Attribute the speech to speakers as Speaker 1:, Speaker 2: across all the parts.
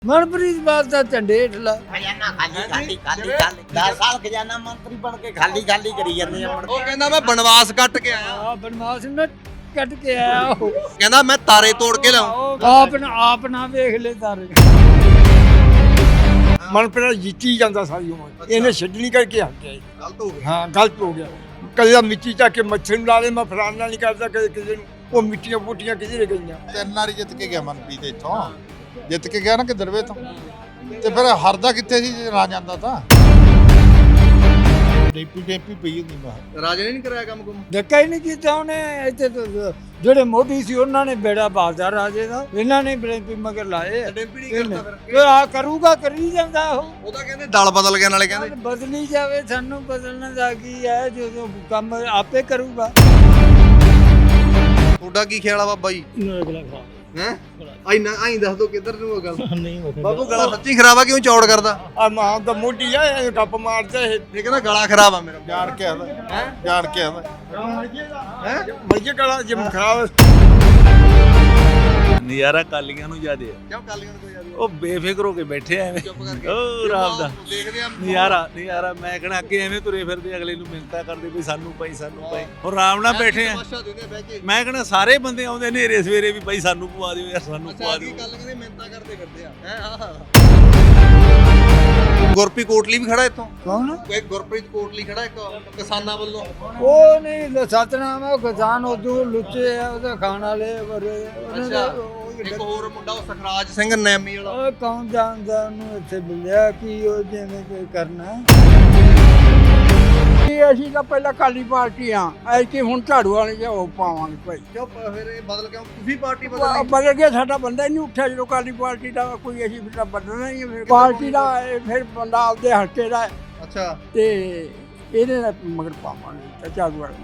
Speaker 1: मनप्रीत बात का झंडेट ला
Speaker 2: खजाना खाली 10 साल खजाना मंत्री बन के खाली करी ਜਾਂਦੇ ਆ।
Speaker 3: ਉਹ ਕਹਿੰਦਾ ਮੈਂ ਬਨਵਾਸ ਕੱਟ ਕੇ ਆਇਆ
Speaker 1: आ बनवास न कट के आया हो
Speaker 3: ਕਹਿੰਦਾ ਮੈਂ ਤਾਰੇ ਤੋੜ ਕੇ ਲਾਉਂ
Speaker 1: आप ना देख ले तारे
Speaker 4: ਮਨਪ੍ਰੀਤ ਜਿੱਤੀ ਜਾਂਦਾ ਸਾਰੀ ਉਮਰ ਇਹਨੇ ਛੱਡਣੀ ਕਰਕੇ ਹਟ ਗਿਆ
Speaker 3: ਗਲਤ ਹੋ ਗਿਆ
Speaker 4: ਹਾਂ ਗਲਤ ਹੋ ਗਿਆ ਕਦੇ ਮਿੱਟੀ ਚੱਕ ਕੇ ਮੱਛਰ ਨੂੰ ਲਾ ਦੇ ਮੈਂ ਫਲਾਣਾ ਨਹੀਂ ਕਰਦਾ ਕਦੇ ਕਿਸੇ ਨੂੰ ਉਹ ਮਿੱਟੀਆਂ ਬੂਟੀਆਂ ਕਿਧਰੇ ਗਈਆਂ
Speaker 5: 3 ਵਾਰੀ ਜਿੱਤ ਕੇ ਗਿਆ ਮਨਪ੍ਰੀਤ ਇੱਥੋਂ ਜਿੱਤ ਕੇ ਗਿਆ ਨਾ ਕਿ ਦਰਵੇ ਤੋਂ ਤੇ ਫਿਰ ਹਰਦਾ ਕਿੱਥੇ ਸੀ ਜੇ ਨਾ ਜਾਂਦਾ ਤਾਂ ਡੇਪੀ ਪਈ ਹੁੰਦੀ ਮੈਂ
Speaker 3: ਰਾਜੇ ਨੇ ਨਹੀਂ ਕਰਾਇਆ ਕੰਮ ਕੁਮ
Speaker 1: धक्का ही नहीं किया उन्हें इतने तो ਜਿਹੜੇ ਮੋਢੀ ਸੀ ਉਹਨਾਂ ਨੇ ਬੇੜਾ ਬਾਜ਼ਦਾ ਰਾਜੇ ਦਾ ਇਹਨਾਂ ਨੇ ਬ੍ਰੇਪੀ ਮਗਰ ਲਾਏ
Speaker 3: ਡੈਂਪੀ ਨਹੀਂ ਕਰਦਾ ਫਿਰ
Speaker 1: ਤੇ ਆ ਕਰੂਗਾ ਕਰੀ ਜਾਂਦਾ ਉਹ
Speaker 3: ਉਹ ਤਾਂ ਕਹਿੰਦੇ ਦਲ ਬਦਲ ਗਿਆ ਨਾਲੇ ਕਹਿੰਦੇ
Speaker 1: ਬਦਲੀ ਜਾਵੇ ਸਾਨੂੰ ਬਦਲਣ ਦਾ ਕੀ ਹੈ ਜਦੋਂ ਕੰਮ ਆਪੇ ਕਰੂਗਾ
Speaker 3: ਤੁਹਾਡਾ ਕੀ ਖਿਆਲ ਆ ਬਾਬਾ ਜੀ ਹੈ ਆਈ ਦੱਸ ਦੋ ਕਿੱਧਰ ਨੂੰ ਉਹ ਗੱਲ ਨਹੀਂ ਬਾਬੂ ਗਲਾ ਸੱਚੀ ਖਰਾਬ ਆ ਕਿਉਂ ਚੌੜ ਕਰਦਾ
Speaker 4: ਆ ਮਾਂ ਦਾ ਮੋਢੀ ਆ ਇਹ ਗੱਪ ਮਾਰਦਾ ਇਹ
Speaker 3: ਇਹ ਕਹਿੰਦਾ ਗਲਾ ਖਰਾਬ ਆ ਮੇਰਾ
Speaker 5: ਜਾਣ ਕੇ ਆਦਾ ਜਾਣ ਕੇ ਆਦਾ
Speaker 4: ਮਰਜੇ ਕਲਾ ਜਿਮ ਖਰਾਬ
Speaker 6: ਨਜ਼ਾਰਾ ਕਾਲੀਆਂ ਨੂੰ ਜ਼ਿਆਦੇ ਆ
Speaker 3: ਕਿਉਂ ਕਾਲੀਆਂ ਨੂੰ ਕੋਈ ਯਾਦ
Speaker 6: ਉਹ ਬੇਫਿਕਰ ਹੋ ਕੇ ਬੈਠੇ ਆ ਐਵੇਂ
Speaker 3: ਚੁੱਪ ਕਰਕੇ
Speaker 6: ਉਹ ਰਾਮ ਦਾ
Speaker 3: ਦੇਖਦੇ ਆ
Speaker 6: ਨਜ਼ਾਰਾ ਮੈਂ ਕਹਣਾ ਅੱਗੇ ਐਵੇਂ ਤੁਰੇ ਫਿਰਦੇ ਅਗਲੇ ਨੂੰ ਮਿੰਤਾ ਕਰਦੇ ਵੀ ਸਾਨੂੰ ਭਾਈ ਹੁਣ ਆਰਾਮ ਨਾਲ ਬੈਠੇ ਆ
Speaker 3: ਤਮਾਸ਼ਾ ਦਿੰਦੇ ਬਹਿ ਕੇ
Speaker 6: ਮੈਂ ਕਹਣਾ ਸਾਰੇ ਬੰਦੇ ਆਉਂਦੇ ਨੇਰੇ ਸਵੇਰੇ ਵੀ ਭਾਈ ਸਾਨੂੰ ਪਵਾ ਦਿਓ ਯਾਰ ਸਾਨੂੰ
Speaker 3: ਅੱਛਾ
Speaker 6: ਪਵਾ
Speaker 3: ਕੀ
Speaker 6: ਦਿਓ
Speaker 3: ਗੱਲ ਕਹਿੰਦੇ ਮਿਹਨਤਾਂ ਕਰਦੇ ਫਿਰਦੇ ਆ ਹੈ ਆਹ ਗੁਰਪ੍ਰੀਤ ਕੋਟਲੀ ਵੀ ਖੜਾ ਇੱਥੋਂ
Speaker 1: ਕੌਣ
Speaker 3: ਇੱਕ ਗੁਰਪ੍ਰੀਤ ਕੋਟਲੀ ਖੜਾ ਇੱਕ ਕਿਸਾਨਾਂ ਵੱਲੋਂ
Speaker 1: ਉਹ ਨਹੀਂ ਸਤਨਾਮ ਉਹ ਕਿਸਾਨ ਉਦੋਂ ਲੁੱਚੇ ਆ ਉਹਦੇ ਖਾਣ ਵਾਲੇ
Speaker 3: ਅੱਛਾ ਇੱਕ ਹੋਰ ਮੁੰਡਾ ਉਹ ਸਖਰਾਜ ਸਿੰਘ ਨੈਮੀ ਵਾਲਾ
Speaker 1: ਉਹ ਕੌਣ ਜਾਣਦਾ ਉਹਨੂੰ ਇੱਥੇ ਮਿਲਿਆ ਕੀ ਉਹ ਜਿਵੇਂ ਕੋਈ ਕਰਨਾ
Speaker 4: ਅਸੀਂ ਤਾਂ ਪਹਿਲਾਂ ਕਾਲੀ ਪਾਰਟੀ ਆ ਐਤਕੀ ਹੁਣ ਝਾੜੂ ਵਾਲੇ ਜੇ ਉਹ ਪਾਵਾਂਗੇ ਭਾਈ
Speaker 3: ਕਿਉਂ ਫਿਰ ਇਹ ਬਦਲ ਕਿਉਂ ਤੁਸੀਂ ਪਾਰਟੀ ਬਦਲ
Speaker 4: ਬਦਲ ਗਿਆ ਸਾਡਾ ਬੰਦਾ ਹੀ ਨਹੀਂ ਉੱਠਿਆ ਜਦੋਂ ਕਾਲੀ ਪਾਰਟੀ ਦਾ ਕੋਈ ਅਸੀਂ ਫਿਰ ਬਦਲਣਾ ਹੀ ਹੈ ਫਿਰ ਪਾਰਟੀ ਦਾ ਇਹ ਫਿਰ ਬੰਦਾ ਆਪਦੇ ਹਲਕੇ ਦਾ ਹੈ
Speaker 3: ਅੱਛਾ
Speaker 4: ਤੇ ਇਹਦੇ ਨਾਲ ਮਗਰ ਪਾਵਾਂਗੇ ਤੇ ਝਾੜੂ ਵਾਲੇ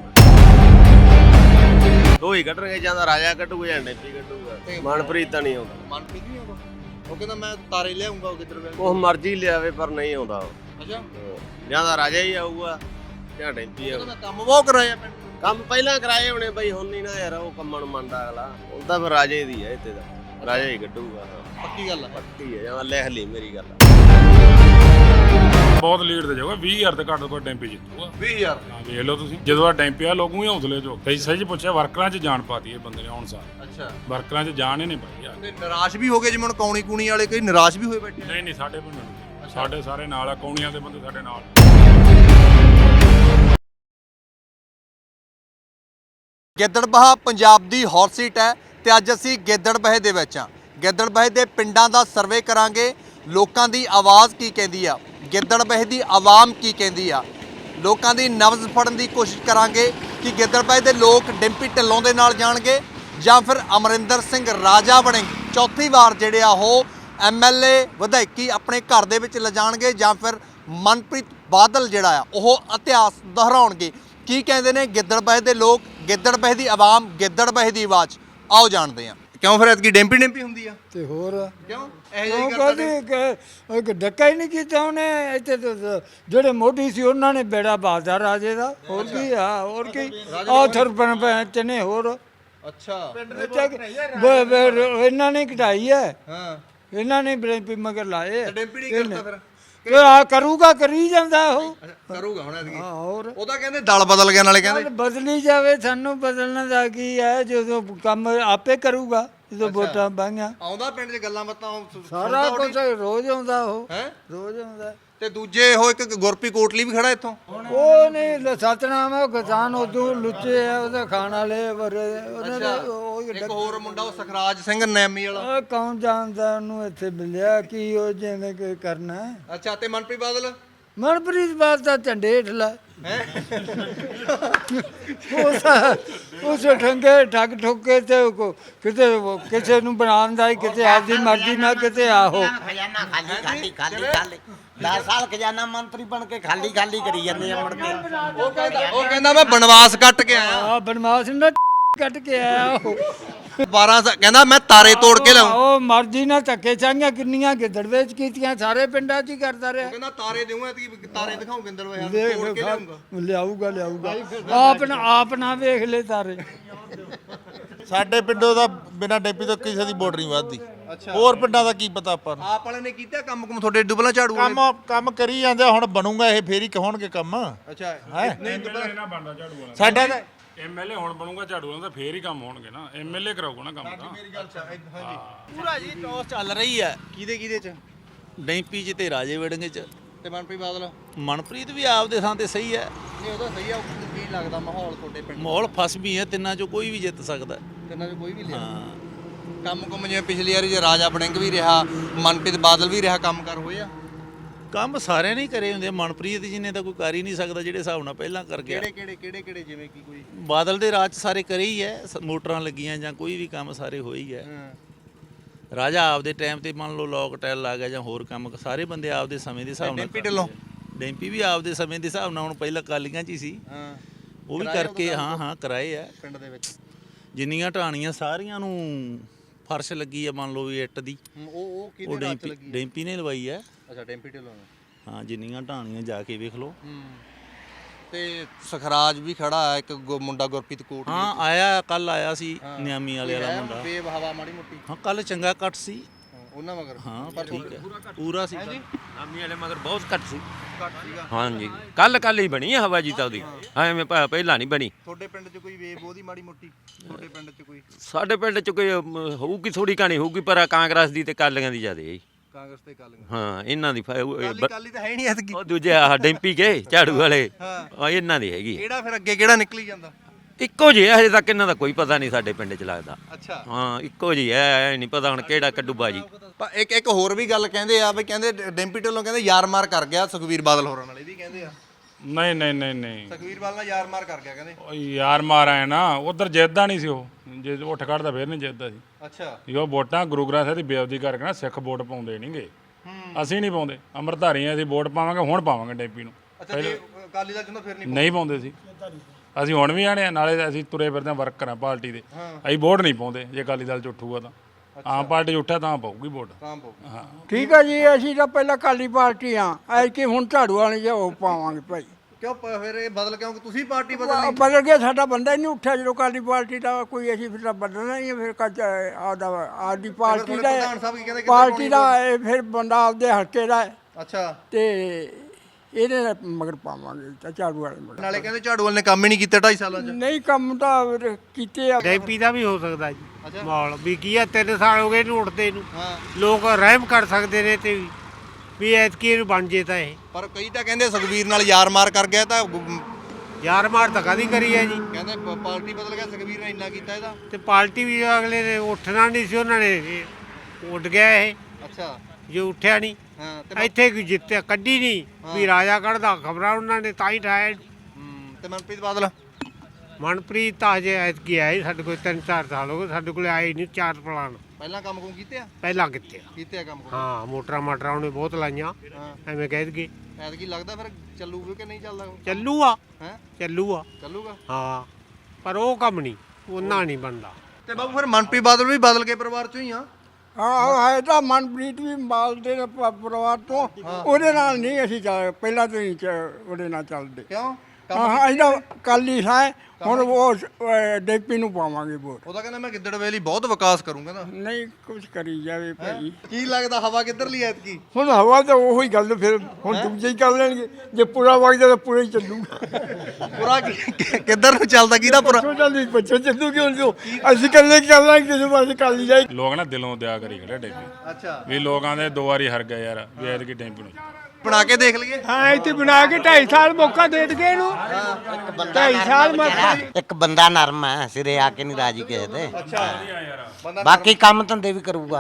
Speaker 7: ਦੋ ਹੀ ਕੱਢਣਗੇ ਜਾਂ ਤਾਂ ਰਾਜਾ ਕੱਢੂਗਾ ਜਾਂ ਡੈਂਪੀ ਕੱਢੂਗਾ ਮਨਪ੍ਰੀਤ ਤਾਂ ਨਹੀਂ ਆਉਂਦਾ
Speaker 3: ਮਨਪ੍ਰੀਤ ਨਹੀਂ ਆਉਂਦਾ ਉਹ ਕਹਿੰਦਾ ਮੈਂ ਤਾਰੇ ਲਿਆਉਂਗਾ ਉਹ ਕਿੱਧਰ
Speaker 7: ਉਹ ਮਰਜ਼ੀ ਲਿਆਵੇ ਪਰ ਨਹੀਂ ਆਉਂਦਾ ਉਹ।
Speaker 3: ਅੱਛਾ
Speaker 7: ਜਾਂ ਤਾਂ ਰਾਜਾ ਹੀ ਆਊਗਾ ਜਾਂ ਡੈਂਪੀ
Speaker 3: ਕਹਿੰਦਾ
Speaker 7: ਆਊਗਾ
Speaker 3: ਮੈਂ ਕੰਮ ਬਹੁਤ ਕਰਾਇਆ ਪਿੰਡ
Speaker 7: ਕੰਮ ਪਹਿਲਾਂ ਕਰਾਏ ਹੋਣੇ ਬਈ ਹੁਣ ਨਹੀਂ ਨਾ ਯਾਰ ਉਹ ਕੰਮਾਂ ਨੂੰ ਮੰਨਦਾ ਅਗਲਾ ਉਹ ਤਾਂ ਫਿਰ ਰਾਜੇ ਦੀ ਹੈ ਇੱਥੇ ਦਾ ਰਾਜਾ ਹੀ ਕੱਢੂਗਾ ਹਾਂ
Speaker 3: ਪੱਕੀ ਗੱਲ ਆ
Speaker 7: ਪੱਕੀ ਹੈ ਜਾਂ ਲਿਖ ਲਈ ਮੇਰੀ ਗੱਲ
Speaker 8: ਬਹੁਤ ਲੀਡ ਤੇ ਜਾਊਗਾ 20000 ਤੇ ਘੱਟ ਤੋਂ ਘੱਟ ਡੈਂਪੀ ਜਿੱਤੂਗਾ
Speaker 3: 20000
Speaker 8: ਹਾਂ ਵੇਖ ਲਓ ਤੁਸੀਂ ਜਦੋਂ ਆ ਡੈਂਪੀ ਆ ਲੋਕਾਂ ਹੀ ਹੌਸਲੇ ਜੋ ਕਈ ਸਹੀ ਪੁੱਛਿਆ ਵਰਕਰਾਂ 'ਚ ਜਾਨ ਪਾਤੀ ਇਹ ਬੰਦੇ ਨੇ ਹੁਣ ਸਾਰ
Speaker 3: ਅੱਛਾ
Speaker 8: ਵਰਕਰਾਂ 'ਚ ਜਾਨ ਹੀ ਨਹੀਂ ਪਾਈ ਯਾਰ
Speaker 3: ਤੇ ਨਿਰਾਸ਼ ਵੀ ਹੋ ਗਏ ਜਿਵੇਂ ਹੁਣ ਕੌਣੀ ਕੂਣੀ ਵਾਲੇ ਕਈ ਨਿਰਾਸ਼ ਵੀ ਹੋਏ ਬੈਠੇ ਆ।
Speaker 8: ਨਹੀਂ ਸਾਡੇ ਪਿੰਡ ਨੂੰ ਸਾਡੇ ਸਾਰੇ ਨਾਲ ਆ ਕੌਣੀਆਂ ਦੇ ਬੰਦੇ ਸਾਡੇ ਨਾਲ
Speaker 3: ਗਿੱਦੜਬਾਹਾ ਪੰਜਾਬ ਦੀ ਹੌਟ ਸੀਟ ਹੈ ਤੇ ਅੱਜ ਅਸੀਂ ਗਿੱਦੜਬਾਹੇ ਦੇ ਵਿੱਚ ਹਾਂ ਗਿੱਦੜਬਾਹੇ ਦੇ ਪਿੰਡਾਂ ਦਾ ਸਰਵੇ ਕਰਾਂਗੇ ਲੋਕਾਂ ਦੀ ਆਵਾਜ਼ ਕੀ ਕਹਿੰਦੀ ਆ ਗਿੱਦੜਬਾਹੇ ਦੀ ਆਵਾਮ ਕੀ ਕਹਿੰਦੀ ਆ ਲੋਕਾਂ ਦੀ ਨਬਜ਼ ਫੜਨ ਦੀ ਕੋਸ਼ਿਸ਼ ਕਰਾਂਗੇ ਕਿ ਗਿੱਦੜਬਾਹੇ ਦੇ ਲੋਕ ਡਿੰਪੀ ਢਿੱਲੋਂ ਦੇ ਨਾਲ ਜਾਣਗੇ ਜਾਂ ਫਿਰ ਅਮਰਿੰਦਰ ਸਿੰਘ ਰਾਜਾ ਬਣਨਗੇ ਚੌਥੀ ਵਾਰ ਜਿਹੜੇ ਆ ਉਹ ਐਮਐਲਏ ਵਿਧਾਇਕੀ ਆਪਣੇ ਘਰ ਦੇ ਵਿੱਚ ਲਿਜਾਣਗੇ ਜਾਂ ਫਿਰ ਮਨਪ੍ਰੀਤ ਬਾਦਲ ਜਿਹੜਾ ਆ ਉਹ ਇਤਿਹਾਸ ਦੁਹਰਾਉਣਗੇ ਕੀ ਕਹਿੰਦੇ ਨੇ ਗਿੱਦੜਬਾਹੇ ਦੇ ਲੋਕ ਗਿੱਦੜਬਾਹੇ ਦੀ ਆਵਾਮ ਗਿੱਦੜਬਾਹੇ ਦੀ ਆਵਾਜ਼ ਆਓ ਜਾਣਦੇ ਆ ਕਿਉਂ ਫਿਰ ਐਤਕੀ ਡੈਂਪੀ ਡੈਂਪੀ ਹੁੰਦੀ ਆ
Speaker 1: ਤੇ ਹੋਰ
Speaker 3: ਕਿਉਂ
Speaker 1: ਉਹ ਕਹਿੰਦੇ ਧੱਕਾ ਹੀ ਨਹੀਂ ਕੀਤਾ ਉਹਨੇ ਇੱਥੇ ਤਾਂ ਜਿਹੜੇ ਮੋਢੀ ਸੀ ਉਹਨਾਂ ਨੇ ਬੇੜਾ ਬਾਜ਼ਦਾ ਰਾਜੇ ਦਾ ਹੋਰ ਕੀ ਆ ਹੋਰ ਕੀ ਆ ਥਰਪਨ ਚਨੇ ਹੋਰ
Speaker 3: ਅੱਛਾ
Speaker 1: ਇਹਨਾਂ ਨੇ ਘਟਾਈ ਹੈ
Speaker 3: ਹਾਂ
Speaker 1: ਇਹਨਾਂ ਨੇ ਬ੍ਰੇਪੀ ਮਗਰ ਲਾਏ
Speaker 3: ਡੈਂਪੀ ਨਹੀਂ ਕਰਦਾ ਫਿਰ
Speaker 1: ਤੇ ਆ ਕਰੂਗਾ ਕਰੀ ਜਾਂਦਾ ਉਹ
Speaker 3: ਕਰੂਗਾ ਹੁਣ ਐਤਕੀ
Speaker 1: ਹਾਂ ਹੋਰ
Speaker 3: ਉਹ ਤਾਂ ਕਹਿੰਦੇ ਦਲ ਬਦਲ ਗਿਆ ਨਾਲੇ ਕਹਿੰਦੇ
Speaker 1: ਬਦਲੀ ਜਾਵੇ ਸਾਨੂੰ ਬਦਲਣ ਦਾ ਕੀ ਹੈ ਜਦੋਂ ਕੰਮ ਆਪੇ ਕਰੂਗਾ ਜਦੋਂ ਵੋਟਾਂ ਪਾਈਆਂ
Speaker 3: ਆਉਂਦਾ ਪਿੰਡ 'ਚ ਗੱਲਾਂ ਬਾਤਾਂ
Speaker 1: ਸਾਰਾ ਕੁਝ ਰੋਜ਼ ਆਉਂਦਾ ਉਹ
Speaker 3: ਹੈ
Speaker 1: ਰੋਜ਼ ਆਉਂਦਾ
Speaker 3: ਤੇ ਦੂਜੇ ਉਹ ਇੱਕ ਗੁਰਪ੍ਰੀਤ ਕੋਟਲੀ ਵੀ ਖੜਾ ਇੱਥੋਂ
Speaker 1: ਉਹ ਨਹੀਂ ਸਤਨਾਮ ਉਹ ਕਿਸਾਨ ਉਦੋਂ ਲੁੱਚੇ ਆ ਉਹਦੇ ਖਾਣ ਵਾਲੇ ਉਹਨਾਂ ਦੇ ਉਹ
Speaker 3: ਇੱਕ ਹੋਰ ਮੁੰਡਾ ਉਹ ਸਖਰਾਜ ਸਿੰਘ ਨੈਮੀ ਵਾਲਾ
Speaker 1: ਉਹ ਕੌਣ ਜਾਣਦਾ ਉਹਨੂੰ ਇੱਥੇ ਮਿਲਿਆ ਕੀ ਉਹ ਜਿਵੇਂ ਕੋਈ ਕਰਨਾ
Speaker 3: ਅੱਛਾ ਤੇ ਮਨਪ੍ਰੀਤ ਬਾਦਲ
Speaker 1: ਮਨਪ੍ਰੀਤ ਬਾਤ ਦਾ ਝੰਡੇਟ ਲਾ ਉਸ ਠੰਗੇ ਠੱਗ ਠੋਕੇ ਤੇ ਕਿਤੇ ਕਿਸੇ ਨੂੰ ਬਣਾਉਣ ਦਾ ਕਿਤੇ ਆਪਦੀ ਮਰਜ਼ੀ ਨਾਲ ਕਿਤੇ ਆਹੋ
Speaker 2: खजाना खाली 10 साल खजाना मंत्री बन के खाली करी ਜਾਂਦੇ ਆ ਮੁੜ ਕੇ
Speaker 3: ਉਹ ਕਹਿੰਦਾ ਮੈਂ ਬਨਵਾਸ ਕੱਟ ਕੇ ਆਇਆ
Speaker 1: ਆ ਬਨਵਾਸ ਨਾ ਕੱਟ ਕੇ ਆਇਆ ਉਹ
Speaker 3: 12 ਕਹਿੰਦਾ ਮੈਂ ਤਾਰੇ ਤੋੜ ਕੇ ਲਾਉਂ
Speaker 1: ਉਹ ਮਰਜ਼ੀ ਨਾਲ ਧੱਕੇ ਚਾਹੀਆਂ ਕਿੰਨੀਆਂ ਗਿੱਦੜ ਵਿੱਚ ਕੀਤੀਆਂ ਸਾਰੇ ਪਿੰਡਾਂ 'ਚ ਹੀ ਕਰਦਾ ਰਿਹਾ
Speaker 3: ਕਹਿੰਦਾ ਤਾਰੇ ਦੇਵਾਂ ਤੇ ਤਾਰੇ ਦਿਖਾਉਂ ਗਿੰਦਲ ਵੇ ਤੋੜ ਕੇ ਲਿਆਉਂਗਾ
Speaker 1: ਲਿਆਊਗਾ ਆਪ ਨਾ ਵੇਖ ਲੈ ਤਾਰੇ
Speaker 5: ਸਾਡੇ ਪਿੰਡੋਂ ਦਾ ਬਿਨਾਂ ਡੈਂਪੀ ਤੋਂ ਕਿਸੇ ਦੀ ਵੋਟ ਨਹੀਂ ਵੱਧਦੀ ਹੋਰ ਪਿੰਡਾਂ ਦਾ ਕੀ ਪਤਾ ਆਪਾਂ ਨੂੰ।
Speaker 3: ਆਪ ਵਾਲੇ ਨੇ ਕੀਤਾ ਕੰਮ ਕੁਮ ਤੁਹਾਡੇ ਡੁੱਬਲਾ ਝਾੜੂ ਵਾਲੇ?
Speaker 5: ਕੰਮ ਕਰੀ ਜਾਂਦੇ ਆ, ਹੁਣ ਬਣੂਗਾ ਇਹ ਫੇਰ ਹੀ ਹੋਣਗੇ ਕੰਮ।
Speaker 3: ਅੱਛਾ
Speaker 8: ਨਹੀਂ ਨਾ ਬਣਦਾ ਝਾੜੂ ਵਾਲਾ
Speaker 5: ਸਾਡਾ ਤਾਂ
Speaker 8: ਐਮਐਲਏ ਹੁਣ ਬਣੂਗਾ ਝਾੜੂ ਵਾਲਾ ਤਾਂ ਫੇਰ ਹੀ ਕੰਮ ਹੋਣਗੇ ਨਾ, ਐਮਐਲਏ ਕਰਾਊਗਾ ਨਾ ਕੰਮ ਤਾਂ।
Speaker 3: ਪੂਰਾ ਜੀ ਟੌਸ ਚੱਲ ਰਹੀ ਹੈ ਕਿਹਦੇ ਚ?
Speaker 6: ਡੈਂਪੀ 'ਚ ਤੇ ਰਾਜੇ ਵੜਿੰਗ 'ਚ।
Speaker 3: ਤੇ ਮਨਪ੍ਰੀਤ ਬਾਦਲ
Speaker 6: ਮਨਪ੍ਰੀਤ ਵੀ ਆਪਦੇ ਥਾਂ ਤੇ ਸਹੀ ਹੈ।
Speaker 3: ਨਹੀਂ ਉਹਦਾ ਸਹੀ ਆ, ਕੀ ਲੱਗਦਾ ਮਾਹੌਲ ਤੁਹਾਡੇ ਪਿੰਡ
Speaker 6: ਮਾਹੌਲ ਫਸ ਵੀ ਹੈ, ਤਿੰਨਾਂ 'ਚੋਂ ਕੋਈ ਵੀ ਜਿੱਤ ਸਕਦਾ।
Speaker 3: ਕਿੰਨਾ ਕੋਈ ਵੀ ਲਿਆ
Speaker 6: ਹਾਂ
Speaker 3: ਕੰਮ ਕੁਮ ਜਿਵੇਂ ਪਿਛਲੀ ਵਾਰੀ ਜੇ ਰਾਜਾ ਵੜਿੰਗ ਵੀ ਰਿਹਾ, ਮਨਪ੍ਰੀਤ ਬਾਦਲ ਵੀ ਰਿਹਾ, ਕੰਮ ਕਰ ਹੋਏ ਆ?
Speaker 6: ਕੰਮ ਸਾਰਿਆਂ ਨੇ ਹੀ ਕਰੇ ਹੁੰਦੇ ਆ। ਮਨਪ੍ਰੀਤ ਜੀ ਨੇ ਤਾਂ ਕੋਈ ਕਰ ਹੀ ਨਹੀਂ ਸਕਦਾ ਜਿਹੜੇ ਹਿਸਾਬ ਨਾਲ ਪਹਿਲਾਂ ਕਰ ਗਿਆ।
Speaker 3: ਕਿਹੜੇ ਜਿਵੇਂ ਕੀ ਕੋਈ?
Speaker 6: ਬਾਦਲ ਦੇ ਰਾਜ 'ਚ ਸਾਰੇ ਕਰੇ ਹੀ ਹੈ, ਮੋਟਰਾਂ ਲੱਗੀਆਂ ਜਾਂ ਕੋਈ ਵੀ ਕੰਮ ਸਾਰੇ ਹੋਏ ਹੀ ਹੈ। ਰਾਜਾ ਆਪਦੇ ਟਾਈਮ ਤੇ ਮੰਨ ਲਓ ਲੋਕ ਟੈਲ ਲਾ ਗਿਆ ਜਾਂ ਹੋਰ ਕੰਮ, ਸਾਰੇ ਬੰਦੇ ਆਪਦੇ ਸਮੇਂ ਦੇ ਹਿਸਾਬ ਨਾਲ।
Speaker 3: ਡੈਂਪੀ ਢਿੱਲੋਂ?
Speaker 6: ਡੈਂਪੀ ਵੀ ਆਪਦੇ ਸਮੇਂ ਦੇ ਹਿਸਾਬ ਨਾਲ, ਹੁਣ ਪਹਿਲਾਂ ਕਾਲੀਆਂ 'ਚ ਹੀ ਸੀ, ਉਹ ਵੀ ਕਰਕੇ ਹਾਂ ਕਰਾਏ ਆ
Speaker 3: ਪਿੰਡ ਦੇ ਵਿੱਚ।
Speaker 6: ਜਿੰਨੀਆਂ ਢਾਣੀਆਂ ਸਾਰੀਆਂ ਨੂੰ ਫਰਸ਼ ਲੱਗੀ ਆ ਮੰਨ ਲਓ ਵੀ ਇੱਟ ਦੀ,
Speaker 3: ਉਹ
Speaker 6: ਉਹ ਡੈਂਪੀ ਨੇ ਲਵਾਈ ਹੈ।
Speaker 3: ਅੱਛਾ ਡੈਂਪੀ ਢਿੱਲੋਂ ਨੇ।
Speaker 6: ਹਾਂ ਜਿੰਨੀਆਂ ਢਾਣੀਆਂ ਜਾ ਕੇ ਵੇਖ ਲਓ।
Speaker 3: ਤੇ ਸਖਰਾਜ ਵੀ ਖੜਾ ਹੈ ਇੱਕ ਮੁੰਡਾ ਗੁਰਪ੍ਰੀਤ ਕੋਟ।
Speaker 6: ਹਾਂ ਆਇਆ, ਕੱਲ ਆਇਆ ਸੀ ਨਿਆਮੀ ਵਾਲੇ ਵਾਲਾ ਮੁੰਡਾ।
Speaker 3: ਬੇਬ ਹਵਾ ਮਾੜੀ ਮੋਟੀ।
Speaker 6: ਹਾਂ ਕੱਲ ਚੰਗਾ ਕੱਟ ਸੀ
Speaker 3: ਉਹਨਾਂ ਮਗਰ।
Speaker 6: ਹਾਂ ਪਰ ਠੀਕ ਹੈ, ਪੂਰਾ ਸੀ।
Speaker 9: ਆਮੀ ਵਾਲੇ ਮਗਰ ਬਹੁਤ ਘੱਟ ਸੀ। ਹਾਂਜੀ ਕੱਲ ਹੀ ਬਣੀ ਹੈ ਹਵਾ ਜੀ ਤਾਂ ਉਹਦੀ, ਐਵੇਂ ਪਹਿਲਾਂ ਨਹੀਂ ਬਣੀ।
Speaker 3: ਤੁਹਾਡੇ ਪਿੰਡ 'ਚ ਕੋਈ ਵੇਬ ਉਹਦੀ ਮਾੜੀ ਮੋਟੀ? ਤੁਹਾਡੇ ਪਿੰਡ 'ਚ ਕੋਈ?
Speaker 9: ਸਾਡੇ ਪਿੰਡ 'ਚ ਕੋਈ ਹੋਊਗੀ, ਥੋੜੀ ਕਹਾਣੀ ਹੋਊਗੀ, ਪਰ ਕਾਂਗਰਸ ਦੀ ਤੇ ਕਾਲੀਆਂ ਦੀ ਜ਼ਿਆਦਾ ਹੈ।
Speaker 3: ਕਾਂਗਰਸ ਤੇ ਕਾਲੀਆਂ?
Speaker 9: ਹਾਂ ਇਹਨਾਂ ਦੀ
Speaker 3: ਕਾਲੀ ਤਾਂ ਹੈ ਨਹੀਂ ਐਤਕੀ।
Speaker 9: ਉਹ ਦੂਜੇ ਆਹ ਡੈਂਪੀ ਕੇ ਝਾੜੂ ਵਾਲੇ, ਇਹਨਾਂ ਦੀ ਹੈਗੀ।
Speaker 3: ਕਿਹੜਾ ਫਿਰ ਅੱਗੇ ਕਿਹੜਾ ਨਿਕਲੀ ਜਾਂਦਾ?
Speaker 9: ਇੱਕੋ ਜਿਹੀ ਹੈ, ਹਜੇ ਤੱਕ ਇਹਨਾਂ ਦਾ ਕੋਈ ਪਤਾ ਨਹੀਂ ਸਾਡੇ ਪਿੰਡ 'ਚ ਲੱਗਦਾ।
Speaker 3: ਅੱਛਾ
Speaker 9: ਹਾਂ ਇੱਕੋ ਜਿਹੀ ਹੈ, ਨਹੀਂ ਪਤਾ ਹੁਣ ਕਿਹੜਾ ਕੱਢੂ ਬਾਜੀ।
Speaker 3: ਪਰ ਇੱਕ ਹੋਰ ਵੀ ਗੱਲ ਕਹਿੰਦੇ ਆ ਵੀ ਕਹਿੰਦੇ ਡੈਂਪੀ ਢਿੱਲੋਂ ਕਹਿੰਦੇ ਯਾਰ ਮਾਰ ਕਰ ਗਿਆ ਸੁਖਵੀਰ ਬਾਦਲ ਹੋਰਾਂ ਨਾਲ, ਇਹ ਵੀ ਕਹਿੰਦੇ ਆ।
Speaker 8: ਨਹੀਂ
Speaker 3: ਸੁਖਵੀਰ ਬਾਦਲ ਨਾਲ ਯਾਰ ਮਾਰ ਕਰ ਗਿਆ ਕਹਿੰਦੇ।
Speaker 8: ਉਹ ਯਾਰ ਮਾਰ ਆਇਆ ਨਾ, ਉਧਰ ਜਿੱਤਦਾ ਨਹੀਂ ਸੀ ਉਹ, ਜੇ ਉੱਠ ਖੜਦਾ ਫੇਰ ਨਹੀਂ ਜਿੱਤਦਾ ਸੀ।
Speaker 3: ਅੱਛਾ
Speaker 8: ਇਹ ਉਹ ਵੋਟਾਂ ਗੁਰੂ ਗ੍ਰੰਥ ਸਾਹਿਬ ਦੀ ਬੇਅਦਬੀ ਕਰਕੇ ਨਾ ਸਿੱਖ ਵੋਟ ਪਾਉਂਦੇ ਨਹੀਂਗੇ। ਅਸੀਂ ਨਹੀਂ ਪਾਉਂਦੇ, ਅੰਮ੍ਰਿਤਧਾਰੀ ਆ ਅਸੀਂ, ਵੋਟ ਪਾਵਾਂਗੇ, ਹੁਣ ਪਾਵਾਂਗੇ ਡੈਂਪੀ ਨੂੰ।
Speaker 3: ਅੱਛਾ ਜੇ ਅਕਾਲੀ ਦਲ ਚੋਂ ਫਿਰ
Speaker 8: ਨਹੀਂ ਪਾਉਂਦੇ ਸੀ, ਅਸੀਂ ਹੁਣ ਵੀ ਆਣੇ ਆ, ਨਾਲੇ ਅਸੀਂ ਤੁਰੇ ਫਿਰਦੇ ਵਰਕਰ ਆ ਪਾਰਟੀ ਦੇ, ਅਸੀਂ ਵੋਟ ਨਹੀਂ ਪਾਉਂਦੇ। ਜੇ ਅਕਾਲੀ ਦਲ 'ਚ ਉੱਠੂਗਾ ਤਾਂ ਆਮ ਪਾਰਟੀ 'ਚ ਉੱਠਿਆ ਤਾਂ ਪਾਊਗੀ ਵੋਟ। ਹਾਂ
Speaker 4: ਠੀਕ ਹੈ ਜੀ, ਅਸੀਂ ਤਾਂ ਪਹਿਲਾਂ ਕਾਲੀ ਪਾਰਟੀ ਆ, ਐਤਕੀ ਹੁਣ ਝਾੜੂ ਵਾਲੀ ਜੇ ਉਹ ਪਾਵਾਂਗੇ ਭਾਈ।
Speaker 3: ਕਿਉਂ ਫਿਰ ਇਹ ਬਦਲ ਕਿਉਂ? ਤੁਸੀਂ ਪਾਰਟੀ ਬਦਲ
Speaker 4: ਬਦਲ ਗਿਆ, ਸਾਡਾ ਬੰਦਾ ਹੀ ਨਹੀਂ ਉੱਠਿਆ ਜਦੋਂ ਕਾਲੀ ਪਾਰਟੀ ਦਾ ਕੋਈ, ਅਸੀਂ ਫਿਰ ਤਾਂ ਬਦਲਣਾ ਹੀ ਹੈ। ਫਿਰ ਆਦੀ ਪਾਰਟੀ ਦਾ
Speaker 3: ਪ੍ਰਧਾਨ ਸਾਹਿਬ ਕੀ ਕਹਿੰਦੇ?
Speaker 4: ਪਾਰਟੀ ਦਾ ਇਹ ਫਿਰ ਬੰਦਾ ਆਪਦੇ ਹਲਕੇ ਦਾ ਹੈ
Speaker 3: ਅੱਛਾ
Speaker 4: ਤੇ ਇਹਦੇ ਮਗਰ ਪਾਵਾਂਗੇ ਤਾਂ ਝਾੜੂ ਵਾਲੇ ਮਗਰ।
Speaker 3: ਨਾਲੇ ਕਹਿੰਦੇ ਝਾੜੂ ਵਾਲੇ ਨੇ ਕੰਮ ਹੀ ਨਹੀਂ ਕੀਤੇ 2.5 ਸਾਲਾਂ 'ਚ।
Speaker 4: ਨਹੀਂ ਕੰਮ ਤਾਂ ਫਿਰ ਕੀਤੇ ਆ।
Speaker 10: ਡੈਂਪੀ ਦਾ ਵੀ ਹੋ ਸਕਦਾ ਜੀ ਮਾਹੌਲ ਵੀ ਕੀ ਆ, 3 ਸਾਲ ਹੋ ਗਏ ਇਹਨੂੰ ਉੱਠਦੇ ਨੂੰ।
Speaker 3: ਹਾਂ
Speaker 10: ਲੋਕ ਰਹਿਮ ਕਰ ਸਕਦੇ ਨੇ ਤੇ ਵੀ ਐਤਕੀ ਇਹਨੂੰ ਬਣ ਜੇ ਤਾਂ ਇਹ।
Speaker 3: ਪਰ ਕਈ ਤਾਂ ਕਹਿੰਦੇ ਸੁਖਵੀਰ ਨਾਲ ਯਾਰ ਮਾਰ ਕਰ ਗਿਆ ਤਾਂ
Speaker 10: ਯਾਰ ਮਾਰ ਤਾਂ ਕਾਹਦੀ ਕਰੀ ਹੈ ਜੀ।
Speaker 3: ਕਹਿੰਦੇ ਪਾਰਟੀ ਬਦਲ ਗਿਆ, ਸੁਖਵੀਰ ਨੇ ਇੰਨਾ ਕੀਤਾ ਇਹਦਾ।
Speaker 10: ਤੇ ਪਾਰਟੀ ਵੀ ਅਗਲੇ ਨੇ ਉੱਠਣਾ ਨਹੀਂ ਸੀ, ਉਹਨਾਂ ਨੇ ਉੱਡ ਗਿਆ ਇਹ,
Speaker 3: ਅੱਛਾ
Speaker 10: ਜੇ ਉੱਠਿਆ ਨਹੀਂ।
Speaker 3: ਹਾਂ
Speaker 10: ਇੱਥੇ ਕੋਈ ਜਿੱਤਿਆ ਕੱਢੀ ਨਹੀਂ ਵੀ ਰਾਜਾ ਕੱਢਦਾ, ਖਬਰਾਂ ਉਹਨਾਂ ਨੇ ਤਾਂ ਹੀ ਠਾਇਆ।
Speaker 3: ਤੇ ਮਨਪ੍ਰੀਤ ਬਾਦਲ?
Speaker 10: ਮਨਪ੍ਰੀਤ ਤਾਂ ਹਜੇ ਐਤਕੀ ਆਏ ਸਾਡੇ ਕੋਲ, 3-4 ਸਾਲ ਹੋ ਗਏ ਸਾਡੇ ਕੋਲ ਆਏ ਨਹੀਂ। 4 ਪਲਾਨ
Speaker 3: ਪਹਿਲਾਂ ਕੰਮ ਕੁਮ ਕੀਤੇ ਆ?
Speaker 10: ਪਹਿਲਾਂ ਕੀਤੇ
Speaker 3: ਕੀਤੇ ਆ ਕੰਮ ਕੁਮ।
Speaker 10: ਹਾਂ ਮੋਟਰਾਂ ਮਾਟਰਾਂ ਉਹਨੇ ਬਹੁਤ ਲਾਈਆਂ, ਐਵੇਂ ਕਹਿ ਦਈਏ।
Speaker 3: ਐਤਕੀ ਲੱਗਦਾ ਫਿਰ ਚੱਲੂਗਾ ਕਿ ਨਹੀਂ ਚੱਲਦਾ?
Speaker 10: ਚੱਲੂਗਾ
Speaker 3: ਹੈ
Speaker 10: ਚੱਲੂਗਾ
Speaker 3: ਚੱਲੂਗਾ।
Speaker 10: ਹਾਂ ਪਰ ਉਹ ਕੰਮ ਨਹੀਂ, ਉਹਨਾਂ ਨਹੀਂ ਬਣਦਾ।
Speaker 3: ਤੇ ਬਾਬੂ ਫਿਰ ਮਨਪ੍ਰੀਤ ਬਾਦਲ ਵੀ ਬਦਲ ਕੇ ਪਰਿਵਾਰ ਚੋਂ ਹੀ ਆ?
Speaker 4: ਹਾਂ ਹੈ ਤਾਂ ਮਨਪ੍ਰੀਤ ਵੀ ਬਾਲ ਦੇ ਪਰਿਵਾਰ ਤੋਂ, ਉਹਦੇ ਨਾਲ ਨਹੀਂ ਅਸੀਂ ਪਹਿਲਾਂ ਤੋਂ ਹੀ ਉਹਦੇ ਨਾਲ ਚੱਲਦੇ।
Speaker 3: ਕਿਉਂ?
Speaker 4: ਹਾਂ ਅਸੀਂ ਤਾਂ ਕਾਲੀ ਸਾਂ, ਹੁਣ ਉਹ ਡੈਂਪੀ ਨੂੰ ਪਾਵਾਂਗੇ ਵੋਟ।
Speaker 3: ਉਹਦਾ ਕਹਿੰਦਾ ਮੈਂ ਗਿੱਦੜ ਵੇਲੀ ਬਹੁਤ ਵਿਕਾਸ ਕਰੂੰਗਾ ਨਾ।
Speaker 4: ਨਹੀਂ ਕੁਝ ਕਰੀ ਜਾਵੇ ਭਾਈ।
Speaker 3: ਕੀ ਲੱਗਦਾ ਹਵਾ ਕਿੱਧਰ ਲਈ ਐਤਕੀ?
Speaker 4: ਹੁਣ ਹਵਾ ਤਾਂ ਉਹੀ ਗੱਲ, ਫਿਰ ਹੁਣ ਦੂਜੇ ਹੀ ਕਰ ਲੈਣਗੇ। ਜੇ ਪੂਰਾ ਵਗਦਾ ਤਾਂ ਪੂਰਾ ਹੀ ਚੱਲੂਗਾ।
Speaker 3: ਪੂਰਾ ਕਿੱਧਰ ਨੂੰ ਚੱਲਦਾ? ਕਿਹਦਾ ਪੂਰਾ
Speaker 4: ਬੱਚੇ ਚੱਲੂਗੇ ਹੁਣ ਜੋ ਅਸੀਂ ਕੱਲੇ ਚੱਲਾਂਗੇ, ਕਿਸੇ ਪਾਸੇ ਕਾਲੀ ਜਾਏ।
Speaker 8: ਲੋਕ ਨਾ ਦਿਲੋਂ ਦਿਆ ਕਰੀ ਖੜੇ ਡੈਂਪੀ।
Speaker 3: ਅੱਛਾ
Speaker 8: ਵੀ ਲੋਕਾਂ ਦੇ 2 ਵਾਰੀ ਹਾਰ ਗਏ ਯਾਰ, ਵੀ ਐਤਕੀ ਡੈਂਪੀ ਨੂੰ
Speaker 3: ਬਣਾ ਕੇ ਦੇਖ ਲਈਏ।
Speaker 4: ਹਾਂ ਇੱਥੇ ਬਣਾ ਕੇ 2.5 ਸਾਲ ਮੌਕਾ ਦੇ ਦਗੇ ਇਹਨੂੰ। 2.5 ਸਾਲ
Speaker 2: ਇੱਕ ਬੰਦਾ ਨਰਮ ਹੈ, ਸਿਰੇ ਆ ਕੇ ਨਹੀਂ ਰਾਜੀ ਕਿਸੇ ਦੇ। ਬਾਕੀ ਕੰਮ ਧੰਦੇ ਵੀ ਕਰੂਗਾ।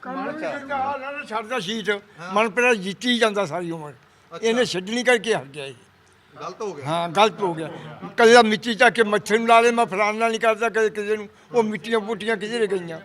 Speaker 4: ਛੱਡਦਾ ਸੀਟ ਮਨਪ੍ਰੀਤ ਜਿੱਤੀ ਜਾਂਦਾ ਸਾਰੀ ਉਮਰ, ਇਹਨੇ ਛੱਡਣੀ ਕਰਕੇ ਹਟ ਗਿਆ।
Speaker 3: ਗਲਤ ਹੋ ਗਿਆ।
Speaker 4: ਹਾਂ ਗਲਤ ਹੋ ਗਿਆ। ਕਦੇ ਮਿੱਟੀ ਚੱਕ ਕੇ ਮੱਛਰ ਨੂੰ ਲਾ ਦੇ, ਮੈਂ ਫਲਾਣਾ ਨਹੀਂ ਕਰਦਾ ਕਦੇ ਕਿਸੇ ਨੂੰ, ਉਹ ਮਿੱਟੀਆਂ ਪੁੱਟੀਆਂ ਕਿਧਰੇ ਗਈਆਂ।